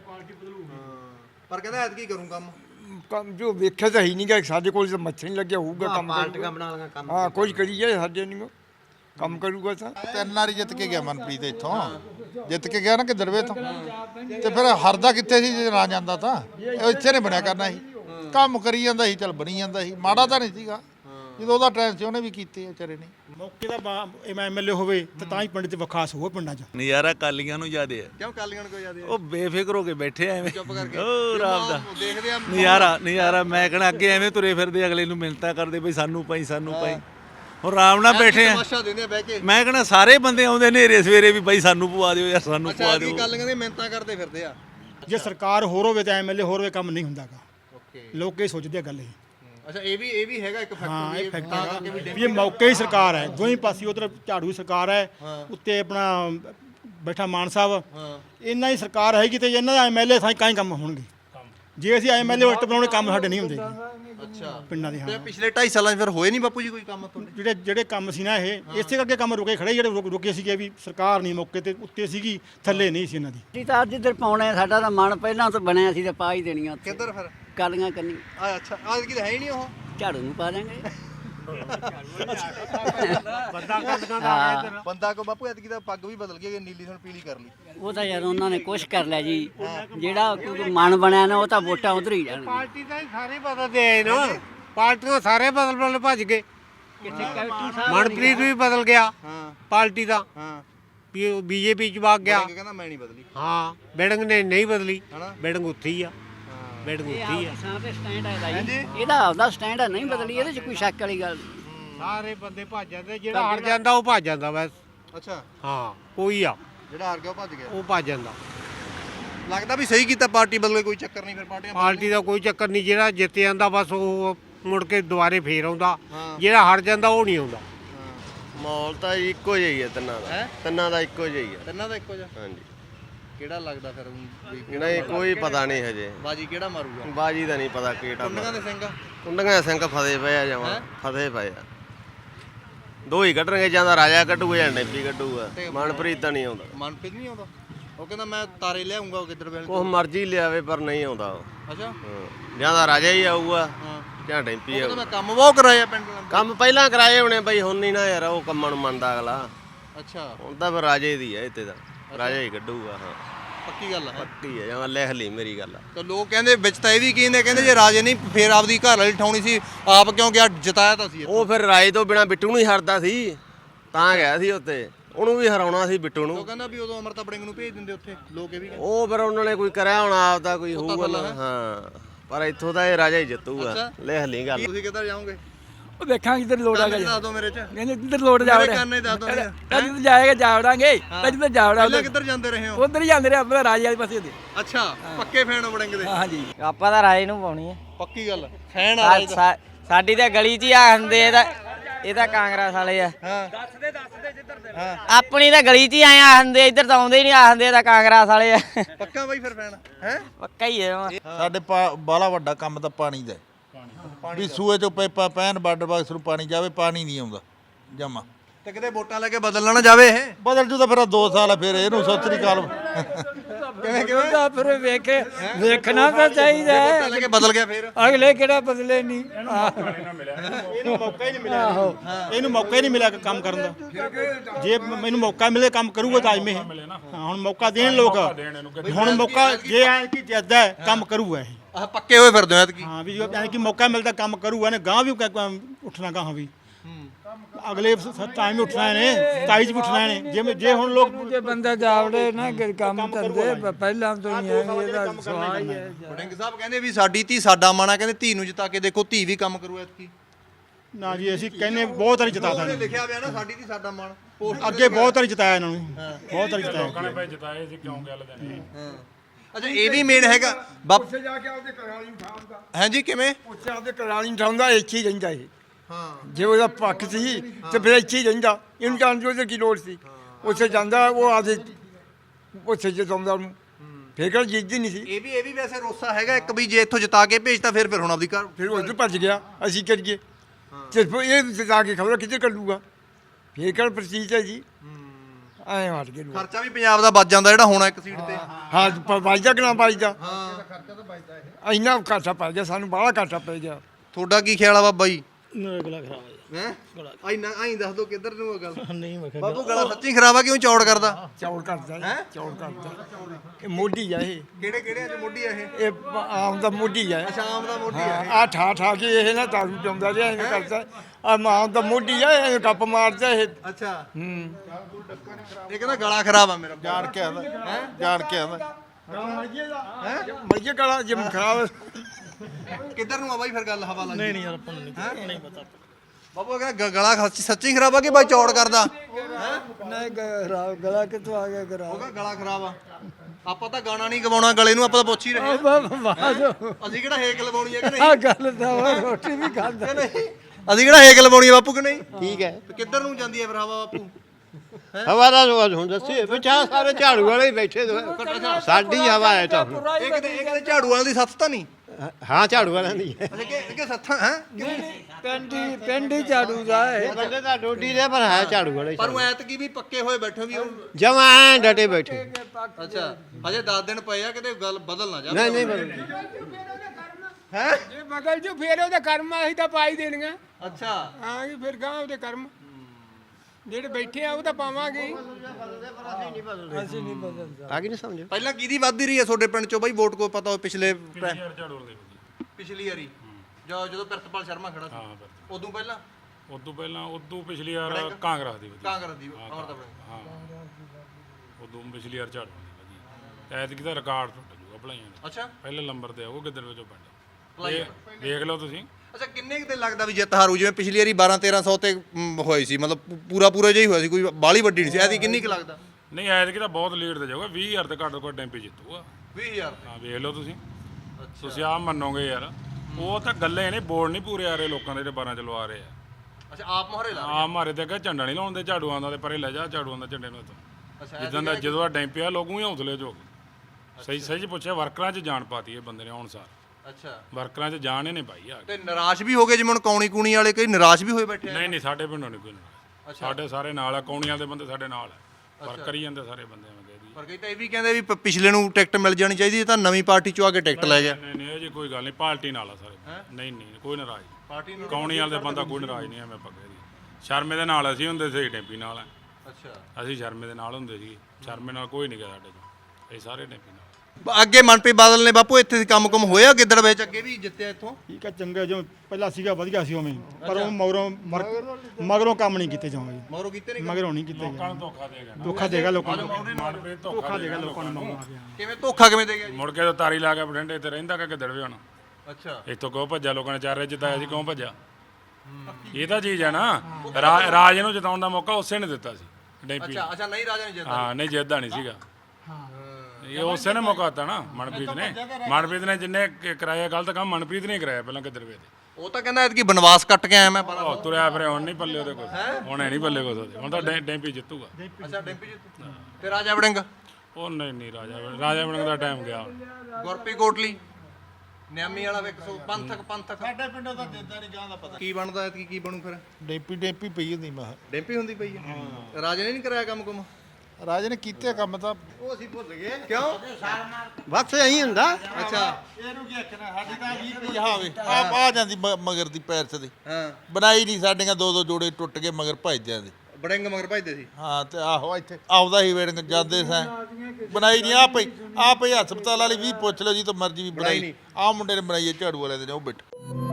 Speaker 3: ਪਰ ਕਹਿੰਦਾ ਐਤਕੀ ਕਰੂੰ ਕੰਮ।
Speaker 4: ਕੰਮ ਜੋ ਵੇਖਿਆ ਤਾਂ ਹੀ ਨਹੀਂ ਗਾ, ਸਾਡੇ ਕੋਲ ਤਾਂ ਮੱਛਰ ਨਹੀਂ ਲੱਗਿਆ ਹੋਊਗਾ ਕੰਮ
Speaker 2: ਪਾਰਟੀਆਂ ਬਣਾ ਲਗਾ ਕੰਮ।
Speaker 4: ਹਾਂ ਕੁਝ ਕਰੀ ਜਾਏ, ਸਾਡੇ ਨਹੀਂ ਕੰਮ ਕਰੂਗਾ ਤਾਂ।
Speaker 5: 3 ਵਾਰੀ ਜਿੱਤ ਕੇ ਗਿਆ ਮਨਪ੍ਰੀਤ ਇੱਥੋਂ, ਜਿੱਤ ਕੇ ਗਿਆ ਨਾ ਕਿ ਦਰਵੇ ਤੋਂ। ਤੇ ਫਿਰ ਹਰਦਾ ਕਿੱਥੇ ਸੀ ਜੇ ਨਾ ਜਾਂਦਾ ਤਾਂ? ਇਹ ਇੱਥੇ ਨੇ ਬਣਿਆ ਕਰਨਾ ਸੀ, ਕੰਮ ਕਰੀ ਜਾਂਦਾ ਸੀ, ਚੱਲ ਬਣੀ ਜਾਂਦਾ ਸੀ, ਮਾੜਾ ਤਾਂ ਨਹੀਂ ਸੀਗਾ। ਜਦੋਂ ਉਹਦਾ ਟਾਈਮ ਸੀ ਉਹਨੇ ਵੀ ਕੀਤੇ ਆ ਵਿਚਾਰੇ ਨੇ।
Speaker 4: ਮੌਕੇ ਦਾ ਐਮਐਲਏ ਹੋਵੇ ਤਾਂ ਹੀ ਪਿੰਡ 'ਚ ਵਿਕਾਸ ਹੋਵੇ ਪਿੰਡਾਂ 'ਚ।
Speaker 6: ਨਜ਼ਾਰਾ ਕਾਲੀਆਂ ਨੂੰ ਜ਼ਿਆਦੇ ਹੈ।
Speaker 3: ਕਿਉਂ ਕਾਲੀਆਂ ਨੂੰ ਕੋਈ ਜ਼ਿਆਦਾ
Speaker 6: ਉਹ ਬੇਫਿਕਰ ਹੋ ਕੇ ਬੈਠੇ ਆ ਐਵੇਂ
Speaker 3: ਚੁੱਪ ਕਰਕੇ
Speaker 6: ਉਹ ਰਾਮ ਦਾ
Speaker 3: ਦੇਖਦੇ ਆ
Speaker 6: ਨਜ਼ਾਰਾ ਮੈਂ ਕਹਣਾ ਅੱਗੇ ਐਵੇਂ ਤੁਰੇ ਫਿਰਦੇ ਅਗਲੇ ਨੂੰ ਮਿੰਨਤਾਂ ਕਰਦੇ ਬਈ ਸਾਨੂੰ ਪਾਈ ਹੁਣ ਆਰਾਮ ਨਾਲ ਬੈਠੇ ਆ।
Speaker 3: ਤਮਾਸ਼ਾ ਦਿੰਦੇ ਆ ਬਹਿ ਕੇ।
Speaker 6: ਮੈਂ ਕਹਣਾ ਸਾਰੇ ਬੰਦੇ ਆਉਂਦੇ ਨੇਰੇ ਸਵੇਰੇ ਵੀ ਬਈ ਸਾਨੂੰ ਪਵਾ ਦਿਓ ਯਾਰ ਸਾਨੂੰ ਪਵਾ ਦਿਓ।
Speaker 3: ਕਾਲੀਆਂ ਦੀਆਂ ਮਿਹਨਤਾਂ ਕਰਦੇ ਫਿਰਦੇ ਆ।
Speaker 4: ਜੇ ਸਰਕਾਰ ਹੋਰ ਹੋਵੇ ਤਾਂ ਐਮਐਲਏ ਹੋਰ ਹੋਵੇ ਕੰਮ ਨਹੀਂ ਹੁੰਦਾਗਾ। ਲੋਕ ਇਹ ਸੋਚਦੇ ਆ ਗੱਲ ਇਹ।
Speaker 3: ਅੱਛਾ ਇਹ ਵੀ ਹੈਗਾ ਇੱਕ
Speaker 4: ਹਾਂ ਇਹ
Speaker 3: ਫੈਕਟਰ
Speaker 4: ਫੈਕਟ ਵੀ ਇਹ ਮੌਕੇ ਹੀ ਸਰਕਾਰ ਹੈ। ਦੋਵੇਂ ਪਾਸੇ ਉਧਰ ਝਾੜੂ ਸਰਕਾਰ ਹੈ, ਉੱਤੇ ਆਪਣਾ ਬੈਠਾ ਮਾਨ ਸਾਹਿਬ। ਇੰਨਾ ਹੀ ਸਰਕਾਰ ਹੈਗੀ ਤੇ ਇਹਨਾਂ ਦਾ ਐਮਐਲਏ ਸਾਂ ਕਾਹੀਂ ਕੰਮ ਹੋਣਗੇ। ਜੇ ਅਸੀਂ ਐਮਐਲਏ ਵਕਤ ਬਣਾਉਣੇ ਕੰਮ ਸਾਡੇ ਨਹੀਂ ਹੁੰਦੇ
Speaker 3: ਅੱਛਾ
Speaker 4: ਪਿੰਡਾਂ ਦੇ।
Speaker 3: ਤੇ
Speaker 4: ਹਾਂ
Speaker 3: ਪਿਛਲੇ 2.5 ਸਾਲਾਂ 'ਚ ਫਿਰ ਹੋਏ ਨਹੀਂ ਬਾਪੂ ਜੀ ਕੋਈ ਕੰਮ ਤੁਹਾਡੇ?
Speaker 4: ਜਿਹੜੇ ਕੰਮ ਸੀ ਨਾ ਇਹ ਇਸੇ ਕਰਕੇ ਕੰਮ ਰੁਕੇ ਖੜੇ ਜਿਹੜੇ ਰੁਕੇ ਸੀਗੇ ਵੀ ਸਰਕਾਰ ਨਹੀਂ ਮੌਕੇ ਤੇ ਉੱਤੇ ਸੀਗੀ, ਥੱਲੇ ਨਹੀਂ ਸੀ ਇਹਨਾਂ ਦੀ।
Speaker 11: ਅਸੀਂ ਤਾਂ ਅੱਜ ਇੱਧਰ ਪਾਉਣੇ ਸਾਡਾ ਤਾਂ ਮਨ ਪਹਿਲਾਂ ਤੋਂ ਬਣਿਆ ਸੀ ਤੇ ਪਾ ਹੀ ਦੇਣੀਆਂ ਉੱਥੇ।
Speaker 3: ਕਿੱਧਰ ਫਿਰ?
Speaker 11: ਕਾਲੀਆਂ ਕੰਨੀ
Speaker 3: ਅੱਛਾ ਆਜ ਕੀ ਹੈ ਹੀ ਨਹੀਂ ਉਹ।
Speaker 11: ਝਾੜੂ ਨੂੰ ਪਾ ਦਾਂਗੇ।
Speaker 3: ਬੰਦਾ ਕੋ ਬਾਪੂ ਐਤਕੀ ਤਾਂ ਪੱਗ ਵੀ ਬਦਲ ਗਈ, ਨੀਲੀ ਹੁਣ ਪੀਲੀ ਕਰ ਲਈ।
Speaker 11: ਉਹ ਤਾਂ ਯਾਰ ਉਹਨਾਂ ਨੇ ਕੁਛ ਕਰ ਲਿਆ ਜੀ। ਜਿਹੜਾ ਕਿਉਂਕਿ ਮਨ ਬਣਿਆ ਨਾ ਉਹ ਤਾਂ ਵੋਟਾਂ ਉਧਰ ਹੀ ਜਾਣਗੀਆਂ।
Speaker 10: ਪਾਰਟੀ ਤਾਂ ਸਾਰੇ ਬਦਲਦੇ ਆਏ ਨਾ, ਪਾਰਟੀਆਂ ਸਾਰੇ ਬਦਲ ਭੱਜ ਗਏ। ਮਨਪ੍ਰੀਤ ਵੀ ਬਦਲ ਗਿਆ ਪਾਰਟੀ ਦਾ, ਬੀਜੇਪੀ ਚ ਵਗ ਗਿਆ।
Speaker 3: ਕਹਿੰਦਾ ਮੈਂ ਨਹੀਂ ਬਦਲੀ।
Speaker 10: ਹਾਂ ਬਿਡੰਗ ਨੇ ਨਹੀਂ ਬਦਲੀ, ਬਿਡੰਗ ਉੱਥੇ ਹੀ ਆ, ਬਿਡੰਗ ਉੱਥੇ ਹੀ ਆ।
Speaker 11: ਸਾਂ ਤੇ ਸਟੈਂਡ ਹੈ ਜੀ, ਇਹਦਾ ਆਪਦਾ ਸਟੈਂਡ ਹੈ, ਨਹੀਂ ਬਦਲੀ, ਇਹਦੇ ਚ ਕੋਈ ਸ਼ੱਕ ਵਾਲੀ ਗੱਲ ਨਹੀਂ।
Speaker 10: ਸਾਰੇ ਬੰਦੇ ਭੱਜ ਜਾਂਦੇ, ਜਿਹੜਾ ਹਟ ਜਾਂਦਾ ਉਹ ਭੱਜ ਜਾਂਦਾ ਬਸ।
Speaker 3: ਅੱਛਾ
Speaker 10: ਹਾਂ ਕੋਈ ਆ
Speaker 3: ਜਿਹੜਾ ਹਾਰ ਗਿਆ ਉਹ ਭੱਜ ਗਿਆ।
Speaker 10: ਉਹ ਭੱਜ ਜਾਂਦਾ।
Speaker 3: ਲੱਗਦਾ ਵੀ ਸਹੀ ਕੀਤਾ ਪਾਰਟੀ ਬਦਲੇ, ਕੋਈ ਚੱਕਰ ਨਹੀਂ ਫਿਰ ਪਾਰਟੀਆਂ
Speaker 10: ਪਾਰਟੀ ਦਾ ਕੋਈ ਚੱਕਰ ਨਹੀਂ, ਜਿਹੜਾ ਜਿੱਤ ਜਾਂਦਾ ਬਸ ਉਹ ਮੁੜ ਕੇ ਦੁਬਾਰੇ ਫੇਰ ਆਉਂਦਾ, ਜਿਹੜਾ ਹਟ ਜਾਂਦਾ ਉਹ ਨਹੀਂ ਆਉਂਦਾ।
Speaker 7: ਮਾਹੌਲ ਤਾਂ ਇੱਕੋ ਜਿਹਾ ਹੀ ਹੈ ਤਿੰਨਾਂ ਦਾ, ਤਿੰਨਾਂ ਦਾ ਇੱਕੋ ਜਿਹਾ ਹੀ ਹੈ।
Speaker 3: ਤਿੰਨਾਂ ਦਾ ਇੱਕੋ ਜਿਹਾ?
Speaker 7: ਹਾਂਜੀ।
Speaker 3: ਕਿਹੜਾ ਲੱਗਦਾ ਫਿਰ ਵੀ
Speaker 7: ਨਹੀਂ ਕੋਈ ਪਤਾ ਨਹੀਂ ਹਜੇ,
Speaker 3: ਬਾਜੀ ਕਿਹੜਾ ਮਾਰੂਗਾ?
Speaker 7: ਬਾਜੀ ਦਾ ਨਹੀਂ ਪਤਾ ਕਿਹੜਾ।
Speaker 3: ਕੁੰਡੀਆਂ ਦੇ ਸਿੰਘ
Speaker 7: ਕੁੰਡੀਆਂ ਦੇ ਸਿੰਘ ਫਸੇ ਪਏ ਆ, ਜਮਾਂ ਫਸੇ ਪਏ ਆ। ਦੋ ਹੀ ਕੱਢਣਗੇ, ਜਾਂ ਤਾਂ ਰਾਜਾ ਕੱਢੂਗਾ ਜਾਂ ਡੈਂਪੀ ਕੱਢੂਗਾ। ਮਨਪ੍ਰੀਤ ਤਾਂ ਨਹੀਂ ਆਉਂਦਾ।
Speaker 3: ਮਨਪ੍ਰੀਤ ਨਹੀਂ ਆਉਂਦਾ? ਉਹ ਕਹਿੰਦਾ ਮੈਂ ਤਾਰੇ ਲਿਆਉਂਗਾ ਕਿੱਧਰ ਵੇਲੇ।
Speaker 7: ਉਹ ਮਰਜ਼ੀ ਲਿਆਵੇ ਪਰ ਨਹੀਂ ਆਉਂਦਾ ਉਹ।
Speaker 3: ਅੱਛਾ
Speaker 7: ਜਾਂ ਤਾਂ ਰਾਜਾ ਹੀ ਆਊਗਾ ਜਾਂ ਡੈਂਪੀ ਆਊਗਾ।
Speaker 3: ਮੈਂ ਕੰਮ ਬਹੁਤ ਕਰਾਇਆ ਪਿੰਡ ਨਾਲ।
Speaker 7: ਕੰਮ ਪਹਿਲਾਂ ਕਰਾਏ ਹੋਣੇ ਬਈ, ਹੁਣ ਨਹੀਂ ਨਾ ਯਾਰ ਉਹ ਕੰਮਾਂ ਨੂੰ ਮੰਨਦਾ ਅਗਲਾ।
Speaker 3: ਅੱਛਾ
Speaker 7: ਹੁਣ ਤਾਂ ਫਿਰ ਰਾਜੇ ਦੀ ਹੈ ਇੱਥੇ, ਤਾਂ ਰਾਜਾ ਹੀ ਕੱਢੂਗਾ। ਹਾਂ
Speaker 3: ਪੱਕੀ ਗੱਲ ਹੈ।
Speaker 7: ਪੱਕੀ ਹੈ, ਜਾਂ ਲਿਖ ਲਈ ਮੇਰੀ ਗੱਲ।
Speaker 3: ਤੇ ਲੋਕ ਕਹਿੰਦੇ ਵਿੱਚ ਤਾਂ ਇਹ ਵੀ ਕਹਿੰਦੇ ਜੇ ਰਾਜੇ ਨਹੀਂ ਫੇਰ ਆਪਦੀ ਘਰ ਵਾਲੀ ਠਾਉਣੀ ਸੀ, ਆਪ ਕਿਉਂ ਗਿਆ? ਜਿਤਾਇਆ ਤਾਂ ਸੀ।
Speaker 7: ਉਹ ਫਿਰ ਰਾਜੇ ਤੋਂ ਬਿਨਾ ਬਿੱਟੂ ਨੂੰ ਹੀ ਹਰਦਾ ਸੀ, ਤਾਂ ਗਿਆ ਸੀ ਉੱਤੇ। ਉਹਨੂੰ ਵੀ ਹਰਾਉਣਾ ਸੀ ਬਿੱਟੂ ਨੂੰ।
Speaker 3: ਉਹ ਕਹਿੰਦਾ ਵੀ ਉਦੋਂ ਅਮਰਤਾ ਬੜਿੰਗ ਨੂੰ ਭੇਜ ਦਿੰਦੇ ਉੱਥੇ, ਲੋਕ ਇਹ ਵੀ ਕਹਿੰਦੇ।
Speaker 7: ਉਹ ਫਿਰ ਉਹਨਾਂ ਨੇ ਕੋਈ ਕਰਿਆ ਹੋਣਾ ਆਪਦਾ, ਕੋਈ ਹੋਊਗਾ। ਹਾਂ ਪਰ ਇੱਥੋਂ ਤਾਂ ਇਹ ਰਾਜਾ ਹੀ ਜਿੱਤੂਗਾ, ਲਿਖ ਲਈ ਗੱਲ।
Speaker 3: ਤੁਸੀਂ ਕਿੱਧਰ ਜਾਓਗੇ?
Speaker 1: ਉਹ ਦੇਖਾਂਗੇ ਕਿੱਧਰ ਲੋੜ ਆਗਾ।
Speaker 3: ਦੱਸ ਦਿਓ ਮੇਰੇ ਚ।
Speaker 1: ਕਹਿੰਦੇ ਕਿੱਧਰ ਲੋੜ ਜਾਵੜਾ।
Speaker 3: ਕਰਨੇ ਦੱਸ ਦਿਓ।
Speaker 1: ਕਦੀ ਜਾਏਗਾ ਜਾਵੜਾਂਗੇ, ਕਦੀ ਤਾਂ ਜਾਵੜਾ।
Speaker 3: ਪਹਿਲਾਂ ਕਿੱਧਰ ਜਾਂਦੇ ਰਹੇ ਹੋ?
Speaker 1: ਉਧਰ ਹੀ ਜਾਂਦੇ ਰਹੇ ਆਪਣੇ ਰਾਜੇ ਵਾਲੇ ਪਾਸੇ ਦੇ।
Speaker 3: ਅੱਛਾ ਪੱਕੇ ਫੈਨ ਹੋ ਬੜਿੰਗ ਦੇ?
Speaker 1: ਹਾਂਜੀ
Speaker 11: ਆਪਾਂ ਤਾਂ ਰਾਜੇ ਨੂੰ ਪਾਉਣੀ ਹੈ।
Speaker 3: ਪੱਕੀ ਗੱਲ ਫੈਨ ਆ ਰਾਜੇ ਦਾ।
Speaker 11: ਸਾਡੀ ਤਾਂ ਗਲੀ 'ਚ ਹੀ ਆਖਦੇ ਇਹ ਤਾਂ ਕਾਂਗਰਸ ਵਾਲੇ ਆ। ਆਪਣੀ ਤਾਂ ਗਲੀ 'ਚ ਹੀ ਆਏ ਆਖਦੇ, ਇੱਧਰ ਤਾਂ ਆਉਂਦੇ ਹੀ ਨਹੀਂ, ਆਖਦੇ ਇਹ ਤਾਂ ਕਾਂਗਰਸ ਵਾਲੇ ਆ।
Speaker 3: ਪੱਕਾ ਬਾਈ ਫਿਰ ਫੈਨ ਹੈ?
Speaker 11: ਪੱਕਾ ਹੀ ਹੈ।
Speaker 5: ਸਾਡੇ ਬਾਲਾ ਵੱਡਾ ਕੰਮ ਤਾਂ ਪਾਣੀ ਦਾ ਵੀ ਸੂਏ ਚੋਂ ਪੈਪਾ ਪੈਣ ਬਾਰਡਰ ਬਾਕਸ ਨੂੰ ਪਾਣੀ ਜਾਵੇ, ਪਾਣੀ ਨਹੀਂ ਆਉਂਦਾ ਜਮਾ।
Speaker 3: ਤੇ ਕਿਤੇ ਵੋਟਾਂ ਲੈ ਕੇ ਬਦਲਣਾ ਨਾ ਜਾਵੇ ਇਹ।
Speaker 5: ਬਦਲ ਜੂ ਤਾਂ ਫਿਰ 2 ਸਾਲ ਫਿਰ ਇਹਨੂੰ ਸੋਚਰੀ ਕਾਲ।
Speaker 1: ਕਿਵੇਂ ਫਿਰ ਵੇਖਣਾ ਤਾਂ ਚਾਹੀਦਾ ਹੈ।
Speaker 3: ਵੋਟਾਂ ਲੈ ਕੇ ਬਦਲ ਗਿਆ ਫਿਰ।
Speaker 1: ਅਗਲੇ ਕਿਹੜਾ ਬਦਲੇ ਨਹੀਂ।
Speaker 4: ਇਹਨੂੰ ਮੌਕਾ ਹੀ ਨਹੀਂ ਮਿਲਿਆ। ਇਹਨੂੰ ਮੌਕਾ ਹੀ ਨਹੀਂ ਮਿਲਿਆ ਕੰਮ ਕਰਨ ਦਾ। ਜੇ ਮੈਨੂੰ ਮੌਕਾ ਮਿਲੇ ਕੰਮ ਕਰੂਗਾ ਤਾਂ ਅੱਜ ਹੁਣ ਮੌਕਾ ਦੇਣ ਲੋਕ। ਹੁਣ ਮੌਕਾ ਜੇ ਐ ਕਿ ਜਿੱਦਾਂ ਕੰਮ ਕਰੂਗਾ ਇਹ।
Speaker 3: ਆਹ ਪੱਕੇ ਹੋਏ ਫਿਰਦੇ ਹੋ ਐਤਕੀ?
Speaker 4: ਹਾਂ ਵੀ ਜੋ ਐ ਕਿ ਮੌਕਾ ਮਿਲਦਾ ਕੰਮ ਕਰੂਗਾ ਨੇ, ਗਾਂ ਵੀ ਉੱਠਣਾ ਗਾਂ ਵੀ ਅਗਲੇ ਟਾਈਮ ਵੀ ਉੱਠਣਾ ਨੇ, 27 ਚ ਵੀ ਉੱਠਣਾ ਨੇ। ਜੇ ਹੁਣ ਲੋਕ
Speaker 1: ਜੇ ਬੰਦਾ ਜਾਵੜੇ ਨਾ ਕੰਮ ਕਰਦੇ ਪਹਿਲਾਂ ਤੋਂ ਹੀ ਹੈ, ਇਹਦਾ ਸਵਾਲ ਹੀ ਹੈ।
Speaker 3: ਬੜਿੰਗ ਸਾਹਿਬ ਕਹਿੰਦੇ ਵੀ ਸਾਡੀ ਧੀ ਸਾਡਾ ਮਾਣਾ, ਕਹਿੰਦੇ ਧੀ ਨੂੰ ਜਿਤਾ ਕੇ ਦੇਖੋ, ਧੀ ਵੀ ਕੰਮ ਕਰੂ ਐਤਕੀ।
Speaker 4: ਨਾ ਜੀ ਅਸੀਂ ਕਹਿੰਨੇ ਬਹੁਤ ਵਾਰੀ ਜਿਤਾਤਾ
Speaker 3: ਉਹਨੇ ਲਿਖਿਆ ਹੋਇਆ ਨਾ ਸਾਡੀ ਧੀ ਸਾਡਾ ਮਾਣ।
Speaker 4: ਅੱਗੇ ਬਹੁਤ ਵਾਰੀ ਜਿਤਾਇਆ ਇਹਨਾਂ ਨੂੰ, ਬਹੁਤ ਵਾਰੀ ਜਿਤਾਇਆ।
Speaker 8: ਲੋਕਾਂ ਨੇ ਭਾਈ ਜਿਤਾਏ ਸੀ, ਕਿਉਂ ਗੱਲ ਦੇਣੀ।
Speaker 3: ਅੱਛਾ ਇਹ ਵੀ ਮੇਨ ਹੈਗਾ
Speaker 1: ਉੱਥੇ ਜਾ ਕੇ ਆਪਦੇ ਘਰਾਂ ਨੂੰ ਉਠਾਉਂਦਾ।
Speaker 3: ਹਾਂਜੀ ਕਿਵੇਂ?
Speaker 1: ਉੱਥੇ ਆਪਦੇ ਘਰਾਂ ਨੂੰ ਉਠਾਉਂਦਾ, ਇੱਥੇ ਹੀ ਰਹਿੰਦਾ ਇਹ। ਜੇ ਉਹਦਾ ਪੱਖ ਸੀ ਤੇ ਫਿਰ ਇੱਥੇ ਹੀ ਰਹਿੰਦਾ, ਇਹਨੂੰ ਜਾਣ ਦੀ ਉਹਦੀ ਕੀ ਲੋੜ ਸੀ? ਉੱਥੇ ਜਾਂਦਾ ਉਹ ਆਪਦੇ ਉੱਥੇ ਜਿਤਾਉਂਦਾ ਉਹਨੂੰ, ਫਿਰ ਕਿਹੜਾ ਜਿੱਤਦੀ ਨਹੀਂ ਸੀ।
Speaker 3: ਇਹ ਵੀ ਵੈਸੇ ਰੋਸਾ ਹੈਗਾ ਇੱਕ ਵੀ ਜੇ ਇੱਥੋਂ ਜਿਤਾ ਕੇ ਭੇਜਤਾ ਫਿਰ ਹੁਣ ਆਪਦੀ ਘਰ
Speaker 1: ਫਿਰ ਉੱਧਰ ਭੱਜ ਗਿਆ, ਅਸੀਂ ਕਰੀਏ ਤੇ ਇਹ ਜਿਤਾ ਕੇ ਖਬਰ ਕਿੱਧਰ ਕਰ ਲੂਗਾ? ਫਿਰ ਕਿਹੜਾ ਪ੍ਰਤੀਤ ਹੈ ਜੀ, ਐਂ ਮਾਰ ਕੇ
Speaker 3: ਖਰਚਾ ਵੀ ਪੰਜਾਬ ਦਾ ਬਚ ਜਾਂਦਾ ਜਿਹੜਾ ਹੋਣਾ ਇੱਕ ਸੀਟ ਤੇ।
Speaker 1: ਹਾਂ ਵੱਜਦਾ ਕਿ ਨਾ ਵੱਜਦਾ? ਇੰਨਾ ਘਾਟਾ ਪੈ ਗਿਆ ਸਾਨੂੰ, ਬਾਹਲਾ ਘਾਟਾ ਪੈ ਗਿਆ।
Speaker 3: ਤੁਹਾਡਾ ਕੀ ਖਿਆਲ ਆ ਬਾਬਾ ਜੀ?
Speaker 4: ਮੇਰਾ ਗਲਾ ਖਰਾਬ ਹੈ
Speaker 3: ਹੈ ਆਈ ਨਾ ਆਈ ਦੱਸ ਦੋ ਕਿੱਧਰ ਨੂੰ ਉਹ ਗੱਲ
Speaker 4: ਨਹੀਂ ਮੈਂ
Speaker 3: ਬਾਪੂ ਗਲਾ ਸੱਚੀ ਖਰਾਬ ਆ ਕਿਉਂ ਚੌੜ ਕਰਦਾ
Speaker 1: ਚੌੜ ਕਰਦਾ ਚੌੜ ਕਰਦਾ ਇਹ ਮੋਢੀ ਆ ਇਹ
Speaker 3: ਕਿਹੜੇ ਕਿਹੜਿਆਂ ਚ ਮੋਢੀ ਆ ਇਹ
Speaker 1: ਇਹ ਆਮ ਦਾ ਮੋਢੀ ਆ
Speaker 3: ਸ਼ਾਮ ਦਾ ਮੋਢੀ ਆ
Speaker 1: ਆ ਠਾ ਠਾ ਕੇ ਇਹ ਨਾ ਦਾਰੂ ਪਿਆਉਂਦਾ ਰਿਹਾ ਐਵੇਂ ਕਰਦਾ ਆ ਮਾਂ ਦਾ ਮੋਢੀ ਆ ਇਹ ਕੱਪ ਮਾਰਦਾ ਇਹ
Speaker 3: ਅੱਛਾ
Speaker 1: ਹੂੰ
Speaker 3: ਇਹ ਕਹਿੰਦਾ ਗਲਾ ਖਰਾਬ ਆ ਮੇਰਾ
Speaker 5: ਜਾਣ ਕੇ ਆਉਂਦਾ ਜਾਣ ਕੇ ਆਉਂਦਾ
Speaker 1: ਮਈਏ ਗਲਾ ਜਿਮ ਖਰਾਬ
Speaker 3: ਕਿੱਧਰ ਨੂੰ ਆ ਬਾਈ ਫਿਰ ਗੱਲ ਹਵਾ ਲੱਗ
Speaker 4: ਨਹੀਂ ਨਹੀਂ ਯਾਰ ਆਪਾਂ ਨੂੰ ਨਹੀਂ ਪਤਾ
Speaker 3: ਬਾਪੂ ਕਹਿੰਦਾ ਗਲਾ ਸੱਚੀ ਖਰਾਬ ਆ ਕਿ ਬਾਈ ਚੌੜ ਕਰਦਾ
Speaker 1: ਨਹੀਂ ਗਲਾ ਕਿੱਥੋਂ ਆ ਗਿਆ ਖਰਾਬ
Speaker 3: ਉਹ ਕਹਿੰਦਾ ਗਲਾ ਖਰਾਬ ਆ ਆਪਾਂ ਤਾਂ ਗਾਣਾ ਨਹੀਂ ਗਵਾਉਣਾ ਗਲੇ ਨੂੰ ਆਪਾਂ ਤਾਂ ਪੁੱਛ ਹੀ ਰਹੇ ਅਸੀਂ ਕਿਹੜਾ ਹੇਕ ਲਵਾਉਣੀ ਹੈ ਕਿ ਨਹੀਂ
Speaker 1: ਗੱਲ ਤਾਂ ਰੋਟੀ ਵੀ ਖਾਂਦਾ
Speaker 3: ਅਸੀਂ ਕਿਹੜਾ ਹੇਕ ਲਵਾਉਣੀ ਹੈ ਬਾਪੂ ਕਿ ਨਹੀਂ
Speaker 10: ਠੀਕ ਹੈ
Speaker 3: ਤੇ ਕਿੱਧਰ ਨੂੰ ਜਾਂਦੀ ਹੈ ਫਿਰ ਹਵਾ ਬਾਪੂ
Speaker 10: ਹਵਾ ਦਾ ਹੁਣ ਦੱਸੀ ਵਿਚਾਰ ਸਾਰੇ ਝਾੜੂ ਵਾਲੇ ਹੀ ਬੈਠੇ ਸਾਡੀ ਹਵਾ ਹੈ ਤਾਂ
Speaker 3: ਇਹ ਕਿਤੇ ਝਾੜੂ ਵਾਲਿਆਂ ਦੀ ਸੱਤ ਤਾਂ ਨਹੀਂ
Speaker 10: ਹਾਂ ਝਾੜੂ ਵਾਲਿਆਂ ਦੀ ਹੈ
Speaker 3: ਅੱਛਾ ਕਿ ਸੱਥਾਂ ਹੈ
Speaker 1: ਪਿੰਡ ਹੀ ਝਾੜੂ ਦਾ ਹੈ
Speaker 10: ਬੰਦੇ ਤਾਂ ਡੋਡੀ ਦੇ ਪਰ ਹੈ ਝਾੜੂ ਵਾਲੇ
Speaker 3: ਪਰ ਉਹ ਐਤਕੀ ਵੀ ਪੱਕੇ ਹੋਏ ਬੈਠੇ ਵੀ
Speaker 10: ਜਮਾ ਐ ਡਟੇ ਬੈਠੇ
Speaker 3: ਅੱਛਾ ਹਜੇ 10 ਦਿਨ ਪਏ ਆ ਕਿਤੇ ਗੱਲ ਬਦਲ ਨਾ
Speaker 10: ਨਹੀਂ ਨਹੀਂ ਬਦਲਦੀ
Speaker 3: ਹੈ
Speaker 1: ਜੇ ਮਗਲ ਜੋ ਫੇਰ ਉਹਦੇ ਕਰਮ ਅਸੀਂ ਤਾਂ ਪਾਈ ਦੇਣਗੇ
Speaker 3: ਅੱਛਾ
Speaker 1: ਹਾਂ ਜੀ ਫਿਰ ਗਾਂ ਉਹਦੇ ਕਰਮ ਜਿਹੜੇ ਬੈਠੇ ਆ ਉਹ ਤਾਂ ਪਾਵਾਂਗੇ ਅਸੀਂ ਨਹੀਂ ਬਦਲਦਾ
Speaker 10: ਆ ਗਈ ਨਹੀਂ ਸਮਝ
Speaker 3: ਪਹਿਲਾਂ ਕਿਹਦੀ ਵੱਧਦੀ ਰਹੀ ਹੈ ਤੁਹਾਡੇ ਪਿੰਡ ਚੋਂ ਬਾਈ ਵੋਟ ਕੋ ਪਤਾ ਹੋ ਪਿਛਲੇ ਪਿਛਲੀ ਵਾਰੀ ਜਦੋਂ ਪ੍ਰਿਤਪਾਲ ਸ਼ਰਮਾ ਖੜਾ ਸੀ
Speaker 8: ਹਾਂ
Speaker 3: ਉਦੋਂ ਪਹਿਲਾਂ
Speaker 8: ਉਦੋਂ ਪਿਛਲੀ ਵਾਰ ਕਾਂਗਰਸ ਦੀ ਵਧੀਆ
Speaker 3: ਕਾਂਗਰਸ ਦੀ ਔਰ
Speaker 8: ਹਾਂ ਉਦੋਂ ਪਿਛਲੀ ਵਾਰ ਝਾੜੂ ਦੀ ਵਧੀਆ ਐਤਕੀ ਦਾ ਰਿਕਾਰਡ ਟੁੱਟ ਜੂਗਾ ਭਲਾਈਆਂ ਦਾ
Speaker 3: ਅੱਛਾ
Speaker 8: ਪਹਿਲੇ ਨੰਬਰ ਤੇ ਆਊਗਾ ਗਿੱਦੜ ਵਿੱਚੋਂ ਪਿੰਡ ਦੇਖ ਲਓ ਤੁਸੀਂ
Speaker 3: ਅੱਛਾ ਕਿੰਨੇ ਕਿਤੇ ਲੱਗਦਾ ਵੀ ਜਿੱਤ ਹਾਰੂ ਜਿਵੇਂ ਪਿਛਲੀ ਵਾਰੀ 12-1300 ਤੇ ਹੋਈ ਸੀ ਮਤਲਬ ਪੂਰਾ ਜਿਹਾ ਹੀ ਹੋਇਆ ਸੀ ਕੋਈ ਬਾਲੀ ਵੱਡੀ ਨਹੀਂ ਸੀ ਐਤਕੀ ਕਿੰਨੀ ਕੁ ਲੱਗਦਾ
Speaker 8: ਨਹੀਂ ਐਤਕੀ ਤਾਂ ਬਹੁਤ ਲੀਡ ਤੇ ਜਾਊਗਾ 20000 ਤੇ ਘੱਟ ਤੋਂ ਘੱਟ ਐਮਪੀ ਜਿੱਤੂਗਾ
Speaker 3: 20000
Speaker 8: ਹਾਂ ਵੇਖ ਲਓ ਤੁਸੀਂ ਆਪ ਮੰਨੋਗੇ ਯਾਰ ਉਹ ਤਾਂ ਗੱਲੇ ਨੇ ਬੋਰਡ ਨਹੀਂ ਪੂਰੇ ਆ ਰਹੇ ਲੋਕਾਂ ਦੇ ਜਿਹੜੇ 12 ਚਲਵਾ ਰਹੇ ਆ
Speaker 3: ਅੱਛਾ ਆਪ ਮੋਹਰੇ ਲਾ
Speaker 8: ਆ ਮਾਰੇ ਤੇ ਅੱਗੇ ਝੰਡਾ ਨਹੀਂ ਲਾਉਂਦੇ ਝਾੜੂਆਂ ਦਾ ਤੇ ਪਰੇ ਲੈ ਜਾ ਝਾੜੂਆਂ ਦਾ ਝੰਡੇ ਨੂੰ
Speaker 3: ਅੱਛਾ
Speaker 8: ਜਿੱਦਾਂ ਦਾ ਜਦੋਂ ਆ ਡੈਂਪਿਆ ਲੋਕੂ ਹੀ ਹੌਸਲੇ ਜੋ ਸਹੀ ਪੁੱਛਿਆ ਵਰਕਰਾਂ 'ਚ ਜਾਣ ਪਾਤੀ ਇਹ ਬੰਦੇ ਨੇ ਹੁਣ ਸਾਰ
Speaker 3: ਅੱਛਾ
Speaker 8: ਵਰਕਰਾਂ 'ਚ ਜਾਣ ਹੀ ਨਹੀਂ ਪਾਈ ਆ
Speaker 3: ਤੇ ਨਿਰਾਸ਼ ਵੀ ਹੋ ਗਏ ਜਿਵੇਂ ਹੁਣ ਕੌਣੀ ਵਾਲੇ ਕਈ ਨਿਰਾਸ਼ ਵੀ ਹੋਏ ਬੈਠੇ ਆ
Speaker 8: ਨਹੀਂ ਸਾਡੇ ਪਿੰਡੋਂ ਨਹੀਂ ਕੋਈ ਨਾਰਾਜ਼। ਸਾਡੇ ਸਾਰੇ ਨਾਲ ਆ ਕੌਣੀਆਂ ਦੇ ਬੰਦੇ ਸਾਡੇ ਨਾਲ ਆ ਵਰਕਰ ਹੀ ਜਾਂਦੇ ਸਾਰੇ ਬੰਦੇ ਆਉਂਦੇ ਦੀ
Speaker 3: ਪਰ ਕਈ ਤਾਂ ਇਹ ਵੀ ਕਹਿੰਦੇ ਵੀ ਪਿਛਲੇ ਨੂੰ ਟਿਕਟ ਮਿਲ ਜਾਣੀ ਚਾਹੀਦੀ ਤਾਂ ਨਵੀਂ ਪਾਰਟੀ ਚੋਂ ਆ ਕੇ ਟਿਕਟ ਲੈ ਗਿਆ
Speaker 8: ਨਹੀਂ ਇਹ ਜੀ ਕੋਈ ਗੱਲ ਨਹੀਂ ਪਾਰਟੀ ਨਾਲ ਆ ਸਾਰੇ ਨਹੀਂ ਕੋਈ ਨਾਰਾਜ਼
Speaker 3: ਪਾਰਟੀ
Speaker 8: ਕੌਣੀ ਵਾਲੇ ਦੇ ਬੰਦਾ ਕੋਈ ਨਾਰਾਜ਼ ਨਹੀਂ ਐਵੇਂ ਪੱਕੇ ਦੀ ਸ਼ਰਮੇ ਦੇ ਨਾਲ ਅਸੀਂ ਹੁੰਦੇ ਸੀ ਡੈਂਪੀ ਨਾਲ ਆ
Speaker 3: ਅੱਛਾ
Speaker 8: ਅਸੀਂ ਸ਼ਰਮੇ ਦੇ ਨਾਲ ਹੁੰਦੇ ਸੀ ਸ਼ਰਮੇ ਨਾਲ ਕੋਈ ਨਹੀਂ ਗਿਆ ਸਾਡੇ ਚੋਂ ਅਸੀਂ ਸਾਰੇ ਡੈਂਪੀ ਨਾਲ
Speaker 3: ਅੱਗੇ ਮਨਪ੍ਰੀਤ ਬਾਦਲ ਨੇ ਬਾਪੂ ਇੱਥੇ ਕੰਮ ਹੋਇਆ ਗਿੱਦੜ ਵਿੱਚ ਅੱਗੇ ਵੀ ਜਿੱਤਿਆ ਇੱਥੋਂ
Speaker 4: ਠੀਕ ਆ ਚੰਗਾ ਜੋ ਪਹਿਲਾਂ ਸੀਗਾ ਵਧੀਆ ਸੀ ਉਵੇਂ ਪਰ ਉਹ ਮਗਰੋਂ ਕੰਮ ਨਹੀਂ ਕੀਤੇ ਜਾਵਾਂਗੇ
Speaker 3: ਮਗਰੋਂ ਕੀਤੇ ਨਹੀਂ
Speaker 4: ਮਗਰੋਂ ਨਹੀਂ ਕੀਤੇ
Speaker 8: ਲੋਕਾਂ ਨੂੰ ਧੋਖਾ ਦੇਗਾ
Speaker 4: ਧੋਖਾ ਦੇਗਾ ਲੋਕਾਂ ਨੂੰ
Speaker 8: ਮਨਪ੍ਰੀਤ ਧੋਖਾ ਦੇਗਾ
Speaker 4: ਲੋਕਾਂ ਨੂੰ
Speaker 3: ਕਿਵੇਂ ਧੋਖਾ ਕਿਵੇਂ ਦੇ ਗਿਆ ਜੀ
Speaker 8: ਮੁੜ ਕੇ ਤਾਂ ਤਾਰੀ ਲਾ ਕੇ ਬਠਿੰਡੇ ਤੇ ਰਹਿੰਦਾ ਕਿ ਗਿੱਦੜ ਵੀ ਹੁਣ
Speaker 3: ਅੱਛਾ
Speaker 8: ਇੱਥੋਂ ਕਿਉਂ ਭੱਜਿਆ ਲੋਕਾਂ ਨੇ 4 ਵਾਰ ਜਿਤਾਇਆ ਸੀ ਕਿਉਂ ਭੱਜਿਆ ਇਹ ਤਾਂ ਚੀਜ਼ ਹੈ ਨਾ ਰਾਜ ਨੂੰ ਜਿਤਾਉਣ ਦਾ ਮੌਕਾ ਉਸੇ ਨੇ ਦਿੱਤਾ ਸੀ ਡੈਂਪੀ
Speaker 3: ਅੱਛਾ ਨਹੀਂ ਰਾਜਾ ਨਹੀਂ ਜਿੱਤਦਾ
Speaker 8: ਹਾਂ ਨਹੀਂ ਜਿੱਤਦਾ ਨਹੀਂ ਸੀਗਾ ਇਹ ਉਸੇ ਨੇ ਮੌਕਾ ਦਿੱਤਾ ਨਾ ਮਨਪ੍ਰੀਤ ਨੇ ਜਿੰਨੇ ਕਰਾਇਆ ਗਲਤ ਕੰਮ ਮਨਪ੍ਰੀਤ ਨੇ ਕਰਾਇਆ ਪਹਿਲਾਂ ਗਿੱਦੜ ਵੇ ਤੇ
Speaker 3: ਉਹ ਤਾਂ ਕਹਿੰਦਾ ਐਤਕੀ ਬਨਵਾਸ ਕੱਟ ਕੇ ਆਇਆ ਮੈਂ
Speaker 8: ਉਹ ਤੁਰਿਆ ਫਿਰ ਹੁਣ ਨਹੀਂ ਪੱਲੇ ਉਹਦੇ ਕੋਲ ਹੁਣ ਨਹੀਂ ਪੱਲੇ ਕੋਲ ਹੁਣ ਤਾਂ ਡੈਂਪੀ ਜਿੱਤੂਗਾ
Speaker 3: ਅੱਛਾ ਡੈਂਪੀ ਜਿੱਤੂ ਤੇ ਰਾਜਾ ਵੜਿੰਗ
Speaker 8: ਉਹ ਨਹੀਂ ਰਾਜਾ ਬਣਨ ਦਾ ਟਾਈਮ ਗਿਆ
Speaker 3: ਗੁਰਪ੍ਰੀਤ ਕੋਟਲੀ ਨਿਆਮੀ ਵਾਲਾ ਵੇਖ ਪੰਥਕ
Speaker 5: ਸਾਡੇ ਪਿੰਡੋਂ ਤਾਂ ਜਿੱਦਾਂ ਨਹੀਂ ਗਾਂ ਦਾ ਪਤਾ
Speaker 3: ਕੀ ਬਣਦਾ ਐਤਕੀ ਕੀ ਬਣੂ ਫਿਰ
Speaker 5: ਡੈਂਪੀ ਪਈ ਹੁੰਦੀ ਮੈਂ
Speaker 3: ਡੈਂਪੀ ਹੁੰਦੀ ਪਈ ਹੈ ਰਾਜੇ ਨੇ ਨਹੀਂ ਕਰਾਇਆ ਕੰਮ
Speaker 5: ਰਾਜੇ ਨੇ ਕੀਤੇ ਕੰਮ ਤਾਂ
Speaker 3: ਉਹ ਅਸੀਂ ਭੁੱਲ ਗਏ ਕਿਉਂ
Speaker 10: ਬਸ ਇਹੀ ਹੁੰਦਾ
Speaker 3: ਅੱਛਾ
Speaker 5: ਇਹਨੂੰ ਕੀ ਆਖਣਾ ਸਾਡੀ ਤਾਂ 20 ਰੁਪਏ ਹਾਵੇ ਆ ਜਾਂਦੀ ਮਗਰ ਦੀ ਪੈਰਸ ਦੀ
Speaker 3: ਹਾਂ
Speaker 5: ਬਣਾਈ ਨਹੀਂ ਸਾਡੀਆਂ ਦੋ ਜੋੜੇ ਟੁੱਟ ਗਏ ਮਗਰ ਭੱਜਦਿਆਂ ਦੇ
Speaker 3: ਬੜਿੰਗ ਮਗਰ ਭਜਦੇ ਸੀ
Speaker 5: ਹਾਂ ਤੇ ਆਹੋ ਇੱਥੇ ਆਉਂਦਾ ਹੀ ਵੇੜ ਜਾਂਦੇ ਸਾਂ ਬਣਾਈ ਨਹੀਂ ਆਪੇ ਹਸਪਤਾਲ ਵਾਲੀ ਵੀ ਪੁੱਛ ਲਓ ਜੀ ਤਾਂ ਮਰਜ਼ੀ ਵੀ ਬਣਾਈ ਆਹ ਮੁੰਡੇ ਨੇ ਬਣਾਈ ਹੈ ਝਾੜੂ ਵਾਲੇ ਦੇ ਨੇ ਉਹ ਬੈਠੇ